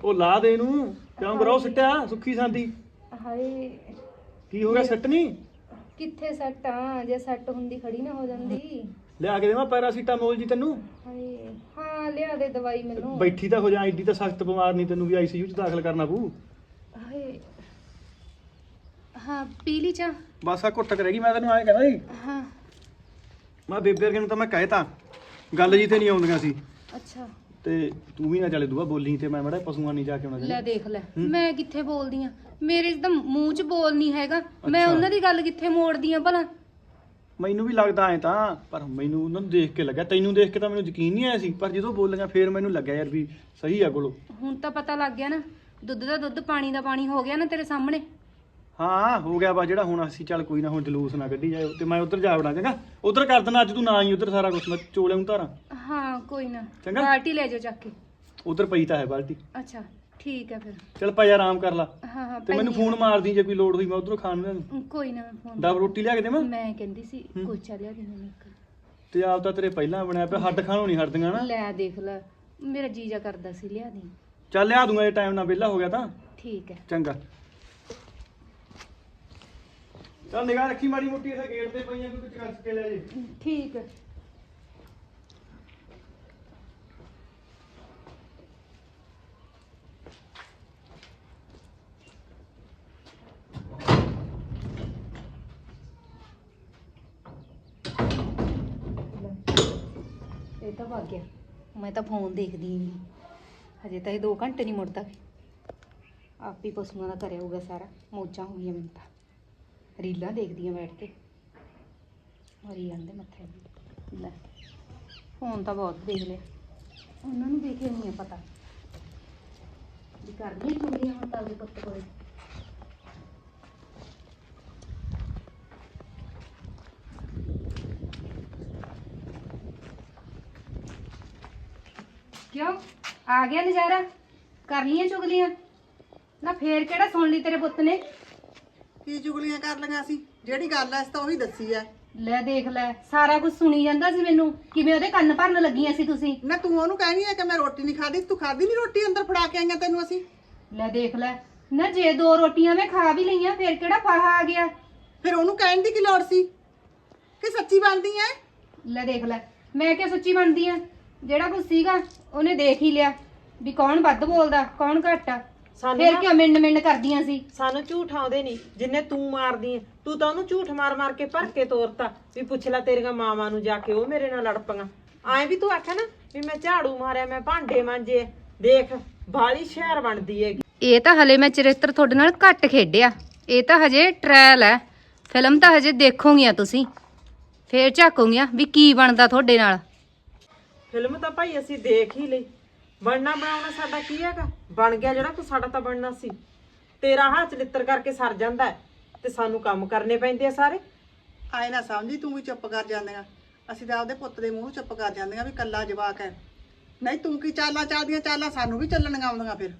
Speaker 4: ਉਹ ਲਾ ਦੇ ਇਹਨੂੰ ਕਿਉਂ ਬਰੋ ਸਿੱਟਿਆ ਸੁੱਖੀ ਸਾਂਦੀ
Speaker 1: ਹਾਏ
Speaker 4: ਕੀ ਹੋ ਗਿਆ ਸੱਟ ਨਹੀਂ
Speaker 1: ਕਿੱਥੇ ਸੱਟ ਆ ਜੇ ਸੱਟ ਹੁੰਦੀ ਖੜੀ ਨਾ ਹੋ ਜਾਂਦੀ
Speaker 4: ਲਿਆ ਕੇ ਦੇਵਾਂ ਪੈਰਾਸੀਟਾਮੋਲ ਜੀ ਤੈਨੂੰ
Speaker 1: ਹਾਏ ਹਾਂ ਲਿਆ ਦੇ ਦਵਾਈ ਮੈਨੂੰ
Speaker 4: ਬੈਠੀ ਤਾਂ ਹੋ ਜਾ ਐਡੀ ਤਾਂ ਸਖਤ ਬਿਮਾਰ ਨਹੀਂ ਤੈਨੂੰ ਵੀ ਆਈਸੀਯੂ ਚ ਦਾਖਲ ਕਰਨਾ ਪਊ
Speaker 1: ਹਾਏ ਹਾਂ ਪੀ ਲਈ ਚਾਹ
Speaker 4: ਬਸ ਆ ਘੁੱਟ ਕਰੇਗੀ ਮੈਂ ਤੈਨੂੰ ਐਂ ਕਹਿੰਦਾ ਸੀ
Speaker 1: ਹਾਂ
Speaker 4: ਮੈਂ ਬੇਬੇ ਵਰਗੇ ਨੂੰ ਤਾਂ ਮੈਂ ਕਹਿਤਾ ਗੱਲ ਜੀ ਤੇ ਨਹੀਂ ਆਉਂਦੀਆਂ ਸੀ
Speaker 1: ਅੱਛਾ
Speaker 4: ਤੇ ਤੂੰ ਵੀ ਨਾ ਚੱਲੇ ਦੂਆ ਬੋਲੀ ਤੇ ਮੈਂ ਮੜਾ ਪਸ਼ੂਆਂ ਨਹੀਂ ਜਾ ਕੇ ਆਉਣਾ
Speaker 1: ਲੈ ਦੇਖ ਲੈ ਮੈਂ ਕਿੱਥੇ ਬੋਲਦੀ ਆ ਮੇਰੇ ਤਾਂ ਮੂੰਹ 'ਚ ਬੋਲ ਨਹੀਂ ਹੈਗਾ ਮੈਂ ਉਹਨਾਂ ਦੀ ਗੱਲ ਕਿੱਥੇ ਮੋੜਦੀ ਆ ਭਲਾ
Speaker 4: ਮੈਨੂੰ ਵੀ ਲੱਗਦਾ ਐ ਤਾਂ ਪਰ ਮੈਨੂੰ ਉਹਨਾਂ ਨੂੰ ਦੇਖ ਕੇ ਲੱਗਾ ਤੈਨੂੰ ਦੇਖ ਕੇ ਤਾਂ ਮੈਨੂੰ ਯਕੀਨ ਨਹੀਂ ਆਇਆ ਸੀ ਪਰ ਜਦੋਂ ਬੋਲੀਆਂ ਫੇਰ ਮੈਨੂੰ ਲੱਗਿਆ ਯਾਰ ਵੀ ਸਹੀ ਆ ਕੋਲੋਂ
Speaker 1: ਹੁਣ ਤਾਂ ਪਤਾ ਲੱਗ ਗਿਆ ਨਾ ਦੁੱਧ ਦਾ ਦੁੱਧ ਪਾਣੀ ਦਾ ਪਾਣੀ ਹੋ ਗਿਆ ਨਾ ਤੇਰੇ ਸਾਹਮਣੇ
Speaker 4: ਹਾਂ ਹੋ ਗਿਆ ਵਾ ਜਿਹੜਾ ਹੁਣ ਅਸੀਂ ਚੱਲ ਕੋਈ ਨਾ ਹੁਣ ਜਲੂਸ ਨਾ ਕੱਢੀ ਜਾਏ ਤੇ ਮੈਂ ਉੱਧਰ ਜਾ ਵੜਾਂ ਚੰਗਾ ਉੱਧਰ ਕਰ ਦੇਣਾ ਅੱਜ ਤੂੰ ਨਾ ਹੀ ਉੱਧਰ ਸਾਰਾ ਕੁਝ ਮੈਂ ਚੋਲੇ ਨੂੰ ਧਾਰਾਂ
Speaker 1: ਹਾਂ ਕੋਈ ਨਾ
Speaker 4: ਚੰਗਾ।
Speaker 1: ਬਾਲਟੀ ਲੈ ਜਾਓ ਚੱਕ ਕੇ
Speaker 4: ਉੱਧਰ ਪਈ ਤਾਂ ਹੈ ਬਾਲਟੀ
Speaker 1: ਅੱਛਾ ਠੀਕ ਹੈ ਫਿਰ
Speaker 4: ਚੱਲ ਭਾਈ ਆਰਾਮ ਕਰ ਲਾ
Speaker 1: ਹਾਂ ਹਾਂ
Speaker 4: ਤੇ ਮੈਨੂੰ
Speaker 1: ਪੈਣੀ
Speaker 4: ਫੋਨ ਮਾਰਦੀ ਜੇ ਕੋਈ ਲੋੜ ਹੋਈ ਮੈਂ ਉੱਧਰੋਂ ਖਾਣ ਨੂੰ
Speaker 1: ਆ। ਕੋਈ ਨਾ ਫੋਨ
Speaker 4: ਡੱਬ ਰੋਟੀ ਲਿਆ ਕੇ ਦੇਵਾਂ
Speaker 1: ਮੈਂ ਕਹਿੰਦੀ ਸੀ ਕੁਲਚਾ ਲਿਆ ਦੇ ਮੈਨੂੰ ਇੱਕ
Speaker 4: ਤੇ ਆਪ ਤਾਂ ਤੇਰੇ ਪਹਿਲਾਂ ਬਣਿਆ ਪਿਆ ਹੱਡ ਖਾਣੋਂ ਨਹੀਂ ਹਟਦੀਆਂ ਨਾ
Speaker 1: ਲੈ ਦੇਖ ਲੈ ਮੇਰਾ ਜੀਜਾ ਕਰਦਾ ਸੀ ਲਿਆ ਦੀ
Speaker 4: ਚੱਲ ਲਿਆ ਦੂੰਗਾ ਜੇ ਟਾਈਮ ਨਾਲ ਵਿਹਲਾ ਹੋ ਗਿਆ ਤਾਂ
Speaker 1: ਠੀਕ ਹੈ
Speaker 4: ਚੰਗਾ ਚੱਲ ਨਿਗਾਹ ਰੱਖੀ ਮਾੜੀ ਮੋਟੀ ਇੱਥੇ ਗੇਟ ਤੇ ਪਈਆਂ ਕੋਈ ਕੁਝ ਕਰ ਕੇ ਲੈ ਜੇ
Speaker 1: ਠੀਕ ਹੈ ਇਹ ਤਾਂ ਭੱਗ ਗਿਆ ਮੈਂ ਤਾਂ ਫੋਨ ਦੇਖਦੀ ਹੀ ਨਹੀਂ ਹਜੇ ਤਾਂ ਇਹ ਦੋ ਘੰਟੇ ਨਹੀਂ ਮੁੜਦਾ ਆਪ ਹੀ ਪਸ਼ੂਆਂ ਦਾ ਕਰਿਆ ਹੋਊਗਾ ਸਾਰਾ ਮੌਜਾਂ ਹੋ ਗਈਆਂ ਮੈਨੂੰ ਤਾਂ ਰੀਲਾਂ ਦੇਖਦੀਆਂ ਬੈਠ ਕੇ ਮਰੀ ਜਾਂਦੇ ਮੱਥੇ ਨੂੰ। ਲੈ ਫੋਨ ਤਾਂ ਬਹੁਤ ਦੇਖ ਲਿਆ ਉਹਨਾਂ ਨੂੰ ਦੇਖੇ ਨਹੀਂ ਆ ਪਤਾ ਵੀ ਕਰਦੀਆਂ ਚੁਗਲੀਆਂ ਹੁਣ ਤਾਂ ਉਹਦੇ ਪੁੱਤ ਕੋਲੇ ਕਿਉਂ ਆ ਗਿਆ ਨਜ਼ਾਰਾ ਕਰ ਲੀਆਂ ਚੁਗਲੀਆਂ ਨਾ ਫੇਰ ਕਿਹੜਾ ਸੁਣ ਲਈ ਤੇਰੇ ਪੁੱਤ ਨੇ
Speaker 2: ਕੀ ਚੁਗਲੀਆਂ ਕਰ ਲਈਆਂ ਸੀ ਜਿਹੜੀ ਗੱਲ ਐ ਇਸ ਤਾਂ ਉਹੀ ਦੱਸੀ ਐ
Speaker 1: ਲੈ ਦੇਖ ਲੈ ਸਾਰਾ ਕੁਝ ਸੁਣੀ ਜਾਂਦਾ ਸੀ ਮੈਨੂੰ ਕਿਵੇਂ ਉਹਦੇ ਕੰਨ ਭਰਨ ਲੱਗੀਆਂ ਸੀ ਤੁਸੀਂ
Speaker 2: ਨਾ ਤੂੰ ਉਹਨੂੰ ਕਹਿਣੀ ਐ ਕਿ ਮੈਂ ਰੋਟੀ ਨਹੀਂ ਖਾਦੀ ਤੂੰ ਖਾਦੀ ਨਹੀਂ ਰੋਟੀ ਅੰਦਰ ਫੜਾ ਕੇ ਆਈਆਂ ਤੈਨੂੰ ਅਸੀਂ
Speaker 1: ਲੈ ਦੇਖ ਲੈ ਨਾ ਜੇ ਦੋ ਰੋਟੀਆਂ ਮੈਂ ਖਾ ਵੀ ਲਈਆਂ ਫੇਰ ਕਿਹੜਾ ਫਾਹਾ ਆ ਗਿਆ
Speaker 2: ਫਿਰ ਉਹਨੂੰ ਕਹਿਣ ਦੀ ਕੀ ਲੋੜ ਸੀ ਕਿ ਸੱਚੀ ਬਣਦੀ ਐ
Speaker 1: ਲੈ ਦੇਖ ਲੈ ਮੈਂ ਕਿਹਾ ਸੱਚੀ ਬਣਦੀ ਆ ਜਿਹੜਾ ਕੁਝ ਸੀਗਾ ਉਹਨੇ ਦੇਖ ਹੀ ਲਿਆ ਵੀ ਕੌਣ ਵੱਧ ਬੋਲਦਾ ਕੌਣ ਘੱਟ ਆ
Speaker 3: ਸਾਨੂੰ
Speaker 1: ਫੇਰ
Speaker 3: ਨਾ-
Speaker 1: ਕਿਉਂ ਮਿੰਡ ਮਿੰਡ ਕਰਦੀਆਂ ਸੀ
Speaker 3: ਸਾਨੂੰ ਝੂਠ ਆਉਂਦੇ ਨਹੀਂ ਜਿੰਨੇ ਤੂੰ ਮਾਰਦੀ ਐ ਤੂੰ ਤਾਂ ਉਹਨੂੰ ਝੂਠ ਮਾਰ ਮਾਰ ਕੇ ਭਰ ਕੇ ਤੋਰਤਾ ਵੀ ਪੁੱਛ ਲੈ ਤੇਰੀਆਂ ਮਾਵਾਂ ਨੂੰ ਜਾ ਕੇ ਉਹ ਮੇਰੇ ਨਾਲ ਲੜ ਪਈਆਂ ਐਂ ਵੀ ਤੂੰ ਆਖਿਆ ਨਾ ਵੀ ਮੈਂ ਝਾੜੂ ਮਾਰਿਆ ਮੈਂ ਭਾਂਡੇ ਮਾਂਜੇ ਦੇਖ ਬਾਲੀ ਸ਼ਹਿਰ ਬਣਦੀ ਹੈਗੀ
Speaker 1: ਇਹ ਤਾਂ ਹਲੇ ਮੈਂ ਚਰਿੱਤਰ ਤੁਹਾਡੇ ਨਾਲ ਘੱਟ ਖੇਡਿਆ ਇਹ ਤਾਂ ਹਜੇ ਟ੍ਰਾਇਲ ਹੈ ਫਿਲਮ ਤਾਂ ਹਜੇ ਦੇਖੋਗੀਆਂ ਤੁਸੀਂ ਫੇਰ ਝਾਕੋਗੀਆਂ ਵੀ ਕੀ ਬਣਦਾ ਤੁਹਾਡੇ ਨਾਲ
Speaker 3: ਫਿਲਮ ਤਾਂ ਭਾਈ ਅਸੀਂ ਦੇਖ ਹੀ ਲਈ ਬਣਨਾ ਬਣਾਉਣਾ ਸਾਡਾ ਕੀ ਹੈਗਾ ਬਣ ਗਿਆ ਜਿਹੜਾ ਕੁਛ ਸਾਡਾ ਤਾਂ ਬਣਨਾ ਸੀ ਤੇਰਾ ਹੱਥ ਚਲਿੱਤਰ ਕਰਕੇ ਸਰ ਜਾਂਦਾ ਹੈ ਤੇ ਸਾਨੂੰ ਕੰਮ ਕਰਨੇ ਪੈਂਦੇ ਆ ਸਾਰੇ
Speaker 2: ਆਏ ਨਾ ਸਮਝੀ ਤੂੰ ਵੀ ਚੁੱਪ ਕਰ ਜਾਂਦੀਆਂ ਅਸੀਂ ਤਾਂ ਆਪਦੇ ਪੁੱਤ ਦੇ ਮੂੰਹ ਚੁੱਪ ਕਰ ਜਾਂਦੀਆਂ ਵੀ ਕੱਲਾ ਜਵਾਕ ਹੈ ਨਹੀਂ ਤੂੰ ਕੀ ਚਾਲਾਂ ਚੱਲਦੀਆਂ ਚਾਲਾਂ ਸਾਨੂੰ ਵੀ ਚੱਲਣੀਆਂ ਆਉਂਦੀਆਂ ਫਿਰ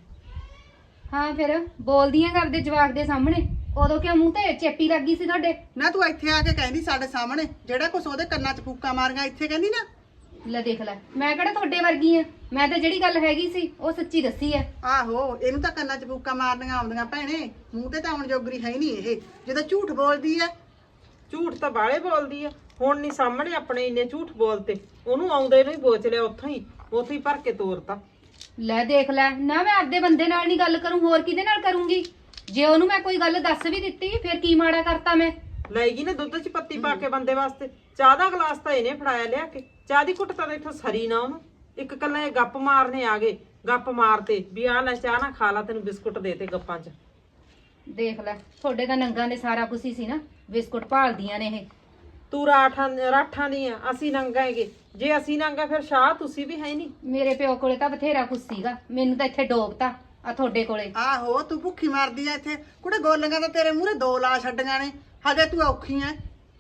Speaker 1: ਹਾਂ ਫਿਰ ਬੋਲਦੀਆਂ ਕਰਦੇ ਜਵਾਕ ਦੇ ਸਾਹਮਣੇ ਉਦੋਂ ਕਿਉਂ ਮੂੰਹ ਤੇ ਚੇਪੀ ਲੱਗੀ ਸੀ ਤੁਹਾਡੇ
Speaker 2: ਨਾ ਤੂੰ ਇੱਥੇ ਆ ਕੇ ਕਹਿੰਦੀ ਸਾਡੇ ਸਾਹਮਣੇ ਜਿਹੜਾ ਕੁਛ ਉਹਦੇ ਕੰਨਾਂ 'ਚ ਫੂਕਾਂ ਮਾਰੀਆਂ ਇੱਥੇ ਕਹਿੰਦੀ ਨਾ
Speaker 1: ਲੈ ਦੇਖ ਲੈ ਮੈਂ ਕਿਹੜਾ ਤੁਹਾਡੇ ਵਰਗੀ ਆ ਮੈਂ ਤਾਂ ਜਿਹੜੀ ਗੱਲ ਹੈਗੀ ਸੀ ਉਹ ਸੱਚੀ ਦੱਸੀ ਆ
Speaker 2: ਆਹੋ ਇਹਨੂੰ ਤਾਂ ਕੰਨਾਂ 'ਚ ਫੂਕਾਂ ਮਾਰਨੀਆਂ ਆਉਂਦੀਆਂ ਭੈਣੇ ਮੂੰਹ ਤੇ ਤਾਂ ਹੁਣ ਜੋਗਰੀ ਹੈ ਹੀ ਨਹੀਂ ਇਹ ਜਦੋਂ ਝੂਠ ਬੋਲਦੀ ਐ
Speaker 3: ਝੂਠ ਤਾਂ ਬਾਲੇ ਬੋਲਦੀ ਆ ਹੁਣ ਨਹੀਂ ਸਾਹਮਣੇ ਆਪਣੇ ਇੰਨੇ ਝੂਠ ਬੋਲਤੇ ਉਹਨੂੰ ਆਉਂਦੇ ਨੂੰ ਹੀ ਬੋਚ ਲਿਆ ਉੱਥੋਂ ਹੀ ਉੱਥੇ ਹੀ ਭਰ ਕੇ ਤੋਰਤਾ
Speaker 1: ਲੈ ਦੇਖ ਲੈ ਨਾ ਮੈਂ ਆਪਦੇ ਬੰਦੇ ਨਾਲ ਨਹੀਂ ਗੱਲ ਕਰੂੰ ਹੋਰ ਕਿਹਦੇ ਨਾਲ ਕਰੂੰਗੀ ਜੇ ਉਹਨੂੰ ਮੈਂ ਕੋਈ ਗੱਲ ਦੱਸ ਵੀ ਦਿੱਤੀ ਫਿਰ ਕੀ ਮਾੜਾ ਕਰਤਾ ਮੈਂ
Speaker 3: ਲੈ ਗਈ ਨੇ ਦੁੱਧ 'ਚ ਪੱਤੀ ਪਾ ਕੇ ਬੰਦੇ ਵਾਸਤੇ ਚਾਹ ਦਾ ਗਲਾਸ ਤਾਂ ਇਹਨੇ ਫੜਾਇਆ ਲਿਆ ਕੇ ਚਾਹ ਦੀ ਘੁੱਟ ਤਾਂ ਇੱਥੋਂ ਸਰੀ ਨਾ ਉਹਨੂੰ ਇੱਕ ਕੱਲਾ ਇਹ ਗੱਪ ਮਾਰਨੇ ਆ ਗਏ ਗੱਪ ਮਾਰਤੇ ਵੀ ਆਹ ਲੈ ਚਾਹ ਨਾ ਖਾ ਲਾ ਤੈਨੂੰ ਬਿਸਕੁਟ ਦੇਤੇ ਗੱਪਾਂ 'ਚ
Speaker 1: ਦੇਖ ਲੈ ਤੁਹਾਡੇ ਤਾਂ ਨੰਗਾਂ ਦੇ ਸਾਰਾ ਕੁਝ ਹੀ ਸੀ ਨਾ ਬਿਸਕੁਟ ਭਾਲਦੀਆਂ ਨੇ ਇਹ
Speaker 3: ਤੂੰ ਰਾਠਾਂ ਰਾਠਾਂ ਦੀਆਂ ਅਸੀਂ ਨੰਗਾ ਹੈਗੇ ਜੇ ਅਸੀਂ ਨੰਗਾ ਫਿਰ ਸ਼ਾਹ ਤੁਸੀਂ ਵੀ ਹੈ ਨਹੀਂ
Speaker 1: ਮੇਰੇ ਪਿਓ ਕੋਲੇ ਤਾਂ ਬਥੇਰਾ ਕੁਝ ਸੀਗਾ ਮੈਨੂੰ ਤਾਂ ਇੱਥੇ ਡੋਬਤਾ ਆ ਤੁਹਾਡੇ ਕੋਲੇ
Speaker 2: ਆਹੋ ਤੂੰ ਭੁੱਖੀ ਮਰਦੀ ਐ ਇੱਥੇ ਕੁੜੇ ਗੋਲੀਆਂ ਤਾਂ ਤੇਰੇ ਮੂਹਰੇ ਦੋ ਲਾ ਛੱਡੀਆਂ ਨੇ ਹਜੇ ਤੂੰ ਔਖੀ ਐ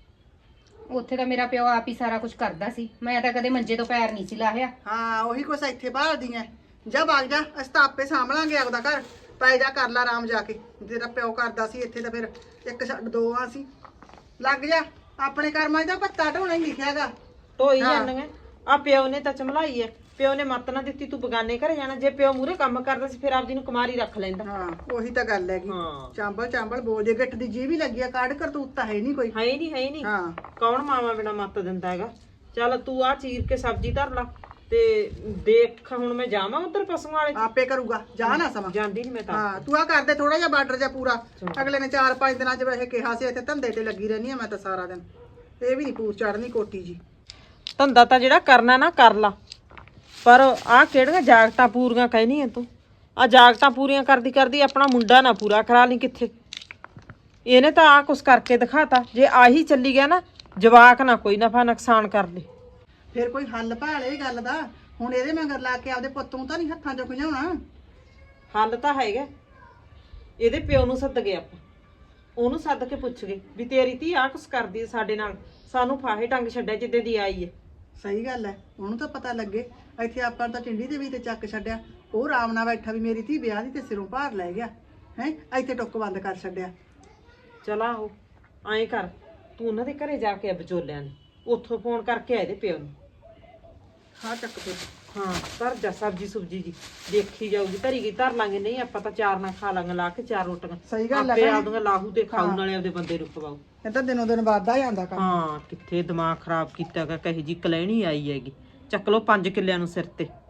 Speaker 1: ਉੱਥੇ ਤਾਂ ਮੇਰਾ ਪਿਓ ਆਪ ਹੀ ਸਾਰਾ ਕੁਝ ਕਰਦਾ ਸੀ ਮੈਂ ਤਾਂ ਕਦੇ ਮੰਜੇ ਤੋਂ ਪੈਰ ਨਹੀਂ ਸੀ ਲਾਹਿਆ
Speaker 2: ਹਾਂ ਉਹੀ ਕੁਛ ਇੱਥੇ ਭਾਲਦੀ ਐ ਜਾ ਵਗ ਜਾ ਅਸੀਂ ਤਾਂ ਆਪੇ ਸਾਂਭਲਾਂਗੇ ਆਪਦਾ ਘਰ ਪੈ ਜਾ ਕਰ ਲਾ ਆਰਾਮ ਜਾ ਕੇ ਤੇਰਾ ਪਿਓ ਕਰਦਾ ਸੀ ਇੱਥੇ ਤਾਂ ਫਿਰ ਇੱਕ ਛੱਡ ਦੋ ਆ ਸੀ ਲੱਗ ਜਾ ਆਪਣੇ ਕਰਮਾਂ 'ਚ ਤਾਂ ਭੱਤਾ ਢੋਣਾ ਹੀ ਲਿਖਿਆਗਾ
Speaker 3: ਢੋਈ
Speaker 2: ਹਾਂ।
Speaker 3: ਜਾਂਦੀਆਂ ਆ ਪਿਓ ਨੇ ਤਾਂ ਚਮਲਾਈ ਐ ਪਿਓ ਨੇ ਮੱਤ ਨਾ ਦਿੱਤੀ ਤੂੰ ਬਗਾਨੇ ਘਰੇ ਜਾਣਾ। ਜੇ ਪਿਓ ਮੂਰੇ ਕੰਮ ਕਰਦਾ ਸੀ ਫਿਰ ਆਪਦੀ ਨੂੰ ਕੁਮਾਰੀ ਰੱਖ ਲੈਂਦਾ।
Speaker 2: ਹਾਂ ਉਹੀ ਤਾਂ ਗੱਲ ਹੈਗੀ।
Speaker 3: ਹਾਂ
Speaker 2: ਚਾਂਬਲ ਚਾਂਬਲ ਬੋਲਦੇ ਗਿੱਠ ਦੀ ਜੀ ਵੀ ਲੱਗੀ ਆ, ਕਾੜ ਕਰਤੂਤ ਤਾਂ ਹੈ ਨਹੀਂ ਕੋਈ।
Speaker 3: ਹੈ ਹੀ ਨਹੀਂ ਹੈ ਹੀ ਨਹੀਂ।
Speaker 2: ਹਾਂ
Speaker 3: ਕੌਣ ਮਾਵਾ ਬਿਨਾ ਮੱਤ ਦਿੰਦਾ ਹੈਗਾ। ਚੱਲ ਤੂੰ ਆ ਚੀਰ ਕੇ ਸਬਜ਼ੀ ਧਰ ਲਾ ਤੇ ਦੇਖ ਹੁਣ ਮੈਂ ਜਾਵਾਂ ਉਧਰ ਪਸ਼ੂਆਂ ਵਾਲੇ ਚ।
Speaker 2: ਆਪੇ ਕਰੂਗਾ, ਜਾ ਨਾ ਸਮਾਂ।
Speaker 3: ਜਾਂਦੀ ਨਹੀਂ ਮੈਂ ਤਾਂ।
Speaker 2: ਹਾਂ ਤੂੰ ਆ ਕਰਦੇ ਥੋੜਾ ਜਿਹਾ ਬਾਰਡਰ ਜਿਹਾ ਪੂਰਾ। ਅਗਲੇ ਨੇ ਚਾਰ ਪੰਜ ਦਿਨਾਂ ਚ ਵੈਸੇ ਕਿਹਾ ਸੀ ਇੱਥੇ ਧੰਦੇ ਤੇ ਲੱਗੀ ਰਹਿਣੀ ਆ ਮੈਂ ਤਾਂ ਸਾਰਾ ਦਿਨ। ਇਹ ਵੀ ਨਹੀਂ ਪੂਛ ਚੜਨੀ ਕੋਟੀ ਜੀ।
Speaker 3: ਧੰਦਾ ਤਾਂ ਜਿਹੜਾ ਕਰਨਾ ਨਾ ਕਰ ਲਾ, ਪਰ ਆਹ ਕਿਹੜੀਆਂ ਜਾਗਤਾਂ ਪੂਰੀਆਂ ਕਹਿਨੀ ਆ ਤੂੰ। ਆ ਜਾਗਤਾਂ ਪੂਰੀਆਂ ਕਰਦੀ ਕਰਦੀ ਆਪਣਾ ਮੁੰਡਾ ਨਾ ਪੂਰਾ ਕਰਾ ਲਈ ਕਿੱਥੇ। ਇਹਨੇ ਤਾਂ ਆ ਕੁਛ ਕਰਕੇ ਦਿਖਾਤਾ। ਜੇ ਆਹੀ ਚੱਲੀ ਗਿਆ ਨਾ ਜਵਾਕ ਨਾ ਕੋਈ ਨਫਾ ਨੁਕਸਾਨ ਕਰ ਲੇ।
Speaker 2: ਫਿਰ ਕੋਈ ਹੱਲ ਭਾਲ ਇਹ ਗੱਲ ਦਾ। ਹੁਣ ਇਹਦੇ ਮਗਰ ਲਾ ਕੇ ਆਪਦੇ ਪੁੱਤ ਨੂੰ ਤਾਂ ਨਹੀਂ ਹੱਥਾਂ ਚੋਂ ਖਿਜਾਉਣਾ।
Speaker 3: ਹੱਲ ਤਾਂ ਹੈਗਾ। ਇਹਦੇ ਪਿਓ ਨੂੰ ਸੱਦ ਗਏ ਆਪਾਂ, ਉਹਨੂੰ ਸੱਦ ਕੇ ਪੁੱਛ ਗਏ ਵੀ ਤੇਰੀ ਧੀ ਆ ਕੁਛ ਕਰਦੀ ਹੈ ਸਾਡੇ ਨਾਲ, ਸਾਨੂੰ ਫਾਹੇ ਟੰਗ ਛੱਡਿਆ ਜਿੱਦੇ ਦੀ ਆਈ ਹੈ।
Speaker 2: ਸਹੀ ਗੱਲ ਹੈ, ਉਹਨੂੰ ਤਾਂ ਪਤਾ ਲੱਗੇ। ਇੱਥੇ ਆਪਾਂ ਤਾਂ ਚਿੰਡੀ ਦੇ ਵੀ ਤੇ ਚੱਕ ਛੱਡਿਆ, ਉਹ ਆਰਾਮ ਨਾਲ ਬੈਠਾ ਵੀ ਮੇਰੀ ਧੀ ਵਿਆਹ ਦੀ ਤੇ ਸਿਰੋਂ ਭਾਰ ਲੈ ਗਿਆ ਹੈ। ਇੱਥੇ ਟੁੱਕ ਬੰਦ ਕਰ ਛੱਡਿਆ।
Speaker 3: ਚਲਾ ਉਹ ਐਂ ਕਰ, ਤੂੰ ਉਹਨਾਂ ਦੇ ਘਰੇ ਜਾ ਕੇ ਆ ਵਿਚੋਲਿਆਂ ਨੇ, ਉੱਥੋਂ ਫੋਨ ਕਰਕੇ ਆ ਇਹਦੇ ਪਿਓ ਨੂੰ।
Speaker 2: ਹਾਂ ਚੱਕ ਤੇ
Speaker 3: ਹਾਂ ਧਰ ਜਾ ਸਬਜੀ ਸੁਬਜੀ ਜੀ, ਦੇਖੀ ਜਾਊਗੀ ਧਰੀ ਗਈ ਧਰ ਲਾਂਗੇ, ਨਹੀਂ ਆਪਾਂ ਤਾਂ ਚਾਰ ਨਾਲ ਖਾ ਲਾਂਗੇ ਲਾ ਕੇ ਚਾਰ ਰੋਟੀਆਂ।
Speaker 2: ਸਹੀ ਗੱਲ ਹੈ
Speaker 3: ਆਪੇ
Speaker 2: ਭੈਣੇ।
Speaker 3: ਆਪਦੀਆਂ ਲਾਹੂ ਤੇ ਖਾਊ ਨਾਲੇ ਆਪਦੇ ਬੰਦੇ ਨੂੰ ਖਵਾਊ।
Speaker 2: ਇਹ ਤਾਂ ਦਿਨੋਂ ਦਿਨ ਵੱਧਦਾ ਜਾਂਦਾ ਕੰਮ।
Speaker 3: ਹਾਂ ਕਿੱਥੇ ਦਿਮਾਗ ਖਰਾਬ ਕੀਤਾ ਗਾ, ਕਹੇ ਜੀ ਕਲੈਣੀ ਆਈ ਹੈਗੀ। ਚੱਕ ਲੋ ਪੰਜ ਕਿੱਲਿਆਂ ਨੂੰ ਸਿਰ ਤੇ।